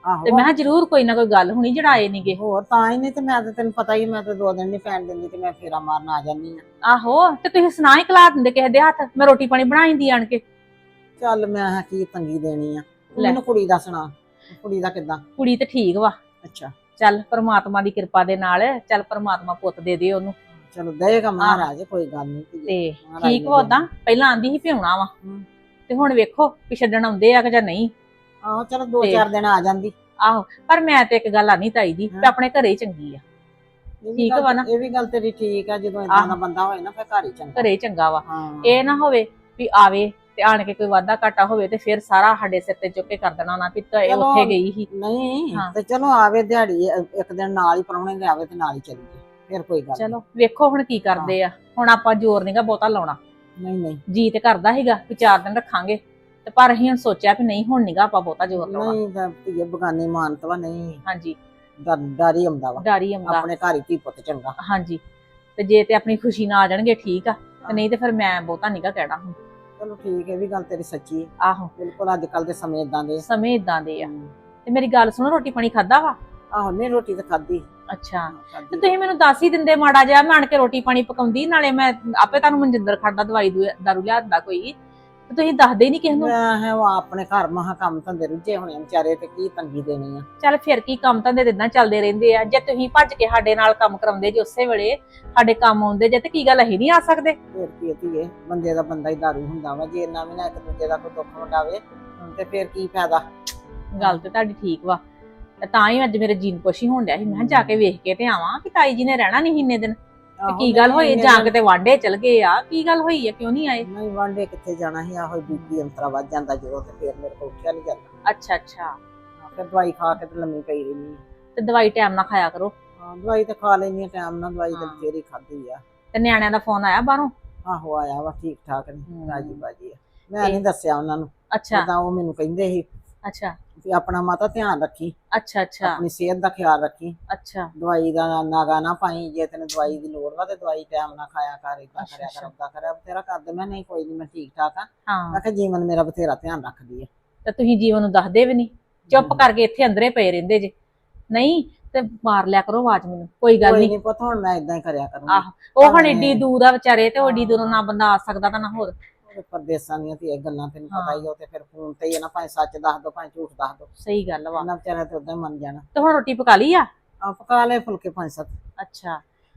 ਤੇ
ਆਹੋ
ਮੈਂ ਕਿਹਾ ਜ਼ਰੂਰ ਕੋਈ ਨਾ ਕੋਈ ਗੱਲ ਹੋਣੀ ਜਿਹੜਾ ਆਏ ਨਹੀਂਗੇ।
ਹੋਰ ਤਾਂ ਹੀ ਨਹੀਂ ਤੇ ਮੈਂ ਤਾਂ ਤੈਨੂੰ ਪਤਾ ਹੀ, ਮੈਂ ਤਾਂ ਦੋ ਦਿਨ ਨਹੀਂ ਪੈਣ ਦਿੰਦੀ ਤੇ ਮੈਂ ਫੇਰਾ ਮਾਰਨ ਆ ਜਾਂਦੀ ਆ।
ਆਹੋ ਤੇ ਤੁਸੀਂ ਸੁਣਾ ਹੀ ਖਲਾ ਦਿੰਦੇ ਕਿਸੇ ਦੇ ਹੱਥ, ਮੈਂ ਰੋਟੀ ਪਾਣੀ ਬਣਾਈਂਦੀ ਆਣ ਕੇ।
ਚੱਲ ਮੈਂ ਕਿਹਾ ਕੀ ਤੰਗੀ ਦੇਣੀ ਆ, ਤੂੰ
ਲੈ।
ਮੈਨੂੰ ਕੁੜੀ ਦਾ ਸੁਣਾ, ਕੁੜੀ ਦਾ ਕਿੱਦਾਂ?
ਕੁੜੀ ਤੇ ਠੀਕ ਵਾ,
ਅੱਛਾ
ਚੱਲ ਪਰਮਾਤਮਾ ਦੀ ਕਿਰਪਾ ਦੇ ਨਾਲ ਚੱਲ ਪਰਮਾਤਮਾ ਪੁੱਤ ਦੇ ਦੇ ਉਹਨੂੰ।
ਚਲੋ ਦੇਗਾ ਮਹਾਰਾਜ, ਕੋਈ ਗੱਲ ਨਹੀਂ।
ਤੇ ਠੀਕ ਵਾ ਉਦਾਂ, ਪਹਿਲਾਂ ਆਂਦੀ ਸੀ ਭਿਉਣਾ ਵਾ
ਹਮ।
ਤੇ ਹੁਣ ਵੇਖੋ ਵੀ ਛੱਡਣ ਆਉਂਦੇ ਆ ਕਿ ਜਾਂ ਨਹੀਂ।
ਆਹੋ ਚਲੋ ਦੋ
ਤੇ-
ਚਾਰ ਦਿਨ ਆ ਜਾਂਦੀ।
ਆਹੋ ਪਰ ਮੈਂ ਤੇ ਇੱਕ ਗੱਲ ਆਨੀ ਤਾਈ ਜੀ, ਤੇ ਆਪਣੇ ਘਰੇ ਹੀ ਚੰਗੀ ਆ।
ਇਹ ਵੀ
ਠੀਕ
ਗੱਲ-
ਵਾ ਨਾ?
ਇਹ ਵੀ ਗੱਲ ਤੇਰੀ ਠੀਕ ਆ, ਜਦੋਂ ਇਦਾਂ
ਆਹੋ।
ਦਾ ਬੰਦਾ ਹੋਏ ਨਾ ਫਿਰ ਘਰ ਹੀ ਚੰਗਾ।
ਘਰੇ ਹੀ ਚੰਗਾ ਵਾ।
ਹਾਂ
ਇਹ ਨਾ ਹੋਵੇ ਵੀ ਆਵੇ ਤੇ ਆਣ ਕੇ ਕੋਈ ਵਾਧਾ ਘਾਟਾ ਹੋਵੇ ਤੇ ਫਿਰ ਸਾਰਾ ਸਾਡੇ ਸਿਰ ਤੇ ਚੁੱਕ ਕੇ ਕਰ ਦੇਣਾ ਨਾ ਵੀ ਤਾਂ ਇਹ
ਚਲੋ।
ਉੱਥੇ ਗਈ ਸੀ।
ਨਹੀਂ
ਹਾਂ।
ਤੇ ਚਲੋ ਆਵੇ ਦਿਹਾੜੀ ਇੱਕ ਦਿਨ ਨਾਲ ਹੀ ਪ੍ਰਾਹੁਣੇ ਦੇ ਆਵੇ ਤੇ ਨਾਲ ਹੀ ਚਲੀ ਜਾਏ, ਫਿਰ ਕੋਈ ਗੱਲ ਨੀ।
ਚਲੋ ਵੇਖੋ ਹੁਣ ਕੀ ਕਰਦੇ ਆ। ਹੁਣ ਆਪਾਂ ਜ਼ੋਰ ਨਹੀਂਗਾ ਬਹੁਤਾ ਲਾਉਣਾ।
ਨਹੀਂ ਨਹੀਂ
ਜੀ ਤੇ ਕਰਦਾ ਸੀਗਾ ਕਿ ਚਾਰ ਦਿਨ ਰੱਖਾਂਗੇ, ਤੇ ਪਰ ਅਸੀਂ ਹੁਣ ਸੋਚਿਆ ਵੀ ਨਹੀਂ ਹੁਣ ਨਹੀਂਗਾ ਆਪਾਂ ਬਹੁਤਾ ਜ਼ੋਰ ਲਾਉਣਾ।
ਨਹੀਂ ਤਾਂ ਧੀਏ ਬਗਾਨੀ ਮਾਨਤ ਵਾ, ਨਹੀਂ
ਹਾਂਜੀ
ਡਰ ਡਰ ਹੀ ਆਉਂਦਾ ਵਾ।
ਡਰ ਹੀ ਆਉਂਦਾ।
ਆਪਣੇ ਘਰ ਹੀ ਧੀ ਪੁੱਤ ਚੰਗਾ।
ਹਾਂਜੀ ਤੇ ਜੇ ਤੇ ਆਪਣੀ ਖੁਸ਼ੀ ਨਾਲ ਆ ਜਾਣਗੇ ਠੀਕ ਆ, ਤੇ ਨਹੀਂ ਤੇ ਫਿਰ ਮੈਂ ਬਹੁਤਾ ਨਹੀਂਗਾ ਕਹਿਣਾ ਹੁਣ।
ਚਲੋ ਠੀਕ ਹੈ, ਇਹ ਵੀ ਗੱਲ ਤੇਰੀ ਸੱਚੀ ਹੈ।
ਆਹੋ
ਬਿਲਕੁਲ ਅੱਜ ਕੱਲ ਦੇ ਸਮੇਂ ਇਦਾਂ ਦੇ ਆ।
ਸਮੇਂ ਇਦਾਂ ਦੇ ਆ। ਤੇ ਮੇਰੀ ਗੱਲ ਸੁਣੋ, ਰੋਟੀ ਪਾਣੀ ਖਾਦਾ ਵਾ?
ਆਹੋ ਨਹੀਂ ਰੋਟੀ ਤਾਂ ਖਾਧੀ।
ਅੱਛਾ ਤੇ
ਖਾਧੀ।
ਤੁਸੀਂ ਮੈਨੂੰ ਦੱਸ ਹੀ ਦਿੰਦੇ ਮਾੜਾ ਜਿਹਾ, ਮੈਂ ਆਣ ਕੇ ਰੋਟੀ ਪਾਣੀ ਪਕਾਉਂਦੀ, ਨਾਲੇ ਮੈਂ ਆਪੇ ਤੁਹਾਨੂੰ ਮਨਜਿੰਦਰ ਖਾਦਾ ਦਵਾਈ ਦੂ- ਦਾਰੂ ਲਿਆਦਾ ਕੋਈ, ਤੇ ਤੁਸੀਂ ਦੱਸਦੇ ਹੀ ਨਹੀਂ ਕਿਸੇ ਨੂੰ।
ਮੈਂ ਹੈ ਉਹ ਆਪਣੇ ਘਰ ਮਹਾ ਕੰਮ ਧੰਦੇ ਰੁੱਝੇ ਹੋਣੇ ਆ ਵਿਚਾਰੇ, ਤੇ ਕੀ ਤੰਗੀ ਦੇਣੀ ਆ।
ਚੱਲ ਫਿਰ ਕੀ, ਕੰਮ ਧੰਦੇ ਦਿਨਾਂ ਚੱਲਦੇ ਰਹਿੰਦੇ ਆ। ਜੇ ਤੁਸੀਂ ਭੱਜ ਕੇ ਸਾਡੇ ਨਾਲ ਕੰਮ ਕਰਾਉਂਦੇ ਜੇ ਉਸੇ ਵੇਲੇ ਸਾਡੇ ਕੰਮ ਆਉਂਦੇ ਜੇ, ਤੇ ਕੀ ਗੱਲ ਅਸੀਂ ਨਹੀਂ ਆ ਸਕਦੇ?
ਫਿਰ ਕੀ ਧੀਏ, ਬੰਦੇ ਦਾ ਬੰਦਾ ਹੀ ਦਾਰੂ ਹੁੰਦਾ ਵਾ, ਜੇ ਇੰਨਾ ਵੀ ਨਾ ਇੱਕ ਦੂਜੇ ਦਾ ਕੋਈ ਦੁੱਖ ਵੰਡਾਵੇ ਤੇ ਫਿਰ ਕੀ ਫਾਇਦਾ।
ਗੱਲ ਤੇ ਤੁਹਾਡੀ ਠੀਕ ਵਾ, ਤੇ ਤਾਂ ਹੀ ਅੱਜ ਮੇਰੇ ਜੀਨ ਕੁਛ ਹੀ ਹੋਣ ਡਿਆ ਸੀ। ਮੈਂ ਕਿਹਾ ਜਾ ਕੇ ਵੇਖ ਕੇ ਤੇ ਆਵਾਂ ਕਿ ਤਾਈ ਜੀ ਨੇ ਰਹਿਣਾ ਨਹੀਂ ਇੰਨੇ ਦਿਨ, ਤੇ
ਆਹੋ,
ਕੀ ਗੱਲ
ਨਹੀਂ,
ਹੋਈ,
ਇੰਨੇ
ਜਾਂ
ਦਿਨ-
ਕਿਤੇ ਵਾਂਡੇ ਚਲ ਗਏ ਆ, ਕੀ ਗੱਲ ਹੋਈ ਆ, ਕਿਉਂ ਨਹੀਂ ਆਏ?
ਨਹੀਂ ਵਾਂਡੇ ਕਿੱਥੇ ਜਾਣਾ ਸੀ, ਆਹੋ ਬੀਬੀ ਅੰਤਰਾ ਵੱਜ ਜਾਂਦਾ ਜਦੋਂ, ਤੇ ਫਿਰ ਮੇਰੇ ਕੋਲ ਉੱਠਿਆ ਨਹੀਂ ਜਾਂਦਾ।
ਅੱਛਾ ਅੱਛਾ,
ਹਾਂ, ਫਿਰ ਦਵਾਈ ਖਾ ਕੇ ਤੇ ਲੰਮੀ ਪਈ ਰਹਿੰਦੀ
ਤੇ ਦਵਾਈ ਟਾਈਮ ਨਾਲ ਖਾਇਆ ਕਰੋ।
ਹਾਂ ਦਵਾਈ ਤੇ ਖਾ ਲੈਣੀ ਆ ਟਾਈਮ ਨਾਲ, ਦਵਾਈ ਤੇ
ਹਾਂ।
ਫੇਰ ਹੀ ਖਾਧੀ ਆ।
ਤੇ ਨਿਆਣਿਆਂ ਦਾ ਫੋਨ ਆਇਆ ਬਾਹਰੋਂ?
ਆਹੋ ਆਇਆ ਵਾ, ਠੀਕ ਠਾਕ ਨੇ,
ਹਮ।
ਰਾਜੀ ਬਾਜੀ ਆ। ਮੈਂ
ਤੇ-
ਨਹੀਂ ਦੱਸਿਆ ਉਹਨਾਂ ਨੂੰ,
ਅੱਛਾ
ਤਾਂ ਉਹ ਮੈਨੂੰ ਕਹਿੰਦੇ ਸੀ
ਅੱਛਾ
ਵੀ ਆਪਣਾ ਮਾਤਾ ਧਿਆਨ ਰੱਖੀ,
ਅੱਛਾ ਅੱਛਾ
ਆਪਣੀ ਸਿਹਤ ਦਾ ਖਿਆਲ ਰੱਖੀ,
ਅੱਛਾ
ਦਵਾਈ ਦਾ ਨਾਗਾ ਨਾ ਪਾਈ, ਜੇ ਤੈਨੂੰ ਦਵਾਈ ਦੀ ਲੋੜ ਵਾ ਤੇ ਦਵਾਈ ਟਾਈਮ ਨਾਲ ਖਾਇਆ ਕਰ, ਏਦਾਂ
ਅੱਛਾ,
ਕਰਿਆ ਕਰ,
ਅੱਛਾ।
ਓਦਾਂ ਕਰਿਆ ਬਥੇਰਾ ਕਰਦੇ। ਮੈਂ ਨਹੀਂ ਕੋਈ ਨਹੀਂ, ਮੈਂ ਠੀਕ ਠਾਕ ਆ।
ਹਾਂ।
ਮੈਂ ਕਿਹਾ ਜੀਵਨ ਮੇਰਾ ਬਥੇਰਾ ਧਿਆਨ ਰੱਖਦੀ ਆ।
ਤੇ ਤੁਸੀਂ ਜੀਵਨ ਨੂੰ ਦੱਸਦੇ ਵੀ ਨਹੀਂ, ਚੁੱਪ ਕਰਕੇ ਇੱਥੇ ਅੰਦਰੇ ਪਏ ਰਹਿੰਦੇ ਜੇ। ਨਹੀਂ ਤੇ ਮਾਰ ਲਿਆ ਕਰੋ ਆਵਾਜ਼ ਮੈਨੂੰ, ਕੋਈ ਗੱਲ
ਕੋਈ
ਨਹੀਂ।
ਨਹੀਂ ਪੁੱਤ, ਹੁਣ ਮੈਂ ਇਦਾਂ ਹੀ ਕਰਿਆ ਕਰੂੰਗੀ।
ਆਹ ਉਹ ਹੁਣ
ਭਾਵੇਂ-
ਏਡੀ ਦੂਰ ਆ ਵਿਚਾਰੇ, ਤੇ ਉਹ ਏਡੀ ਦੂਰੋਂ ਨਾ ਬੰਦਾ ਆ ਸਕਦਾ ਤਾਂ ਨਾ ਹੋਰ।
ਉਹਦੇ ਪਰਦੇਸਾਂ ਦੀਆਂ ਤੇ ਇਹ ਗੱਲਾਂ ਤੈਨੂੰ ਪਤਾ
ਹਾਂ।
ਹੀ ਆ, ਉਹ ਤੇ ਫਿਰ ਫੋਨ ਤੇ ਹੀ ਆ ਨਾ, ਭਾਵੇਂ ਸੱਚ ਦੱਸ ਦੋ ਭਾਵੇਂ ਝੂਠ ਦੱਸ ਦੋ,
ਸਹੀ ਗੱਲ ਵਾ।
ਉਹਨਾਂ ਵਿਚਾਰਿਆਂ ਤੇ ਉਦਾਂ ਹੀ ਮੰਨ ਜਾਣਾ।
ਤੇ ਹੁਣ ਰੋਟੀ ਪਕਾ ਲਈ ਆ?
ਆ ਪਕਾ ਲਏ ਫੁਲਕੇ ਪੰਜ ਸੱਤ,
ਅੱਛਾ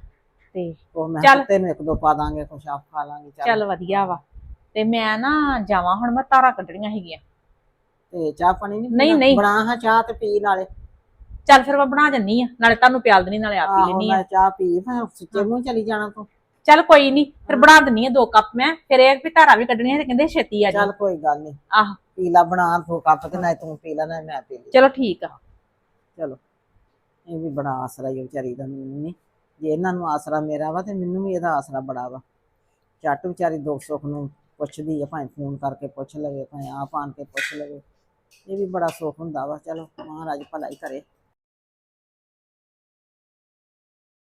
ਤੇ
ਉਹ ਮੈਂ
ਚੱਲ।
ਤੈਨੂੰ ਇੱਕ ਦੋ ਪਾ ਦਾਂਗੇ, ਕੁਛ ਆਪ ਖਾ ਲਾਂਗੇ।
ਚੱਲ ਵਧੀਆ ਵਾ। ਤੇ ਮੈਂ ਨਾ ਜਾਵਾਂ ਹੁਣ, ਮੈਂ ਤਾਰਾਂ ਕੱਢਣੀਆਂ ਹੈਗੀਆਂ।
ਤੇ ਚਾਹ ਪਾਣੀ ਨਹੀਂ
ਨਹੀਂ, ਨਹੀਂ।
ਬਣਾ ਹਾਂ ਚਾਹ ਤੇ ਪੀ ਨਾਲੇ।
ਚੱਲ ਫਿਰ ਮੈਂ ਬਣਾ ਜੰਨੀ ਆ, ਨਾਲੇ ਤੁਹਾਨੂੰ ਪਿਆਲ ਦੇਣੀ, ਨਾਲੇ ਆਪ ਪੀ
ਆਹੋ
ਲੈਣੀ ਆ।
ਮੈਂ ਚਾਹ ਪੀ, ਮੈਂ ਸੁੱਚੇ ਮੂੰਹ ਚਲੀ ਜਾਣਾ ਤੂੰ।
ਚੱਲ ਕੋਈ ਨਹੀਂ, ਫਿਰ ਬਣਾ ਦਿੰਨੀ ਆ ਦੋ ਕੱਪ ਮੈਂ, ਫਿਰ ਇਹ ਵੀ ਧਾਰਾਂ ਵੀ ਕੱਢਣੀਆਂ, ਤੇ ਕਹਿੰਦੇ ਛੇਤੀ ਆ ਜਾ।
ਚੱਲ ਕੋਈ ਗੱਲ ਨਹੀਂ,
ਆਹ
ਪੀ ਲਾ, ਬਣਾ ਦੋ ਕੱਪ, ਤੇ ਨਾ ਤੂੰ ਪੀ ਲੈ ਨਾ ਮੈਂ ਪੀ ਲਈ।
ਚਲੋ ਠੀਕ ਆ।
ਚਲੋ ਇਹ ਵੀ ਬੜਾ ਆਸਰਾ ਹੀ ਵਿਚਾਰੀ ਦਾ, ਮੈਨੂੰ ਨਹੀਂ। ਜੇ ਇਹਨਾਂ ਨੂੰ ਆਸਰਾ ਮੇਰਾ ਵਾ ਤੇ ਮੈਨੂੰ ਵੀ ਇਹਦਾ ਆਸਰਾ ਬੜਾ ਵਾ। ਝੱਟ ਵਿਚਾਰੀ ਦੁੱਖ ਸੁੱਖ ਨੂੰ ਪੁੱਛਦੀ ਆ, ਭਾਵੇਂ ਫੋਨ ਕਰਕੇ ਪੁੱਛ ਲਵੇ, ਭਾਵੇਂ ਆਪ ਆਣ ਕੇ ਪੁੱਛ ਲਵੇ। ਇਹ ਵੀ ਬੜਾ ਸੁੱਖ ਹੁੰਦਾ ਵਾ। ਚਲੋ ਮਹਾਰਾਜ ਭਲਾ ਹੀ ਕਰੇ।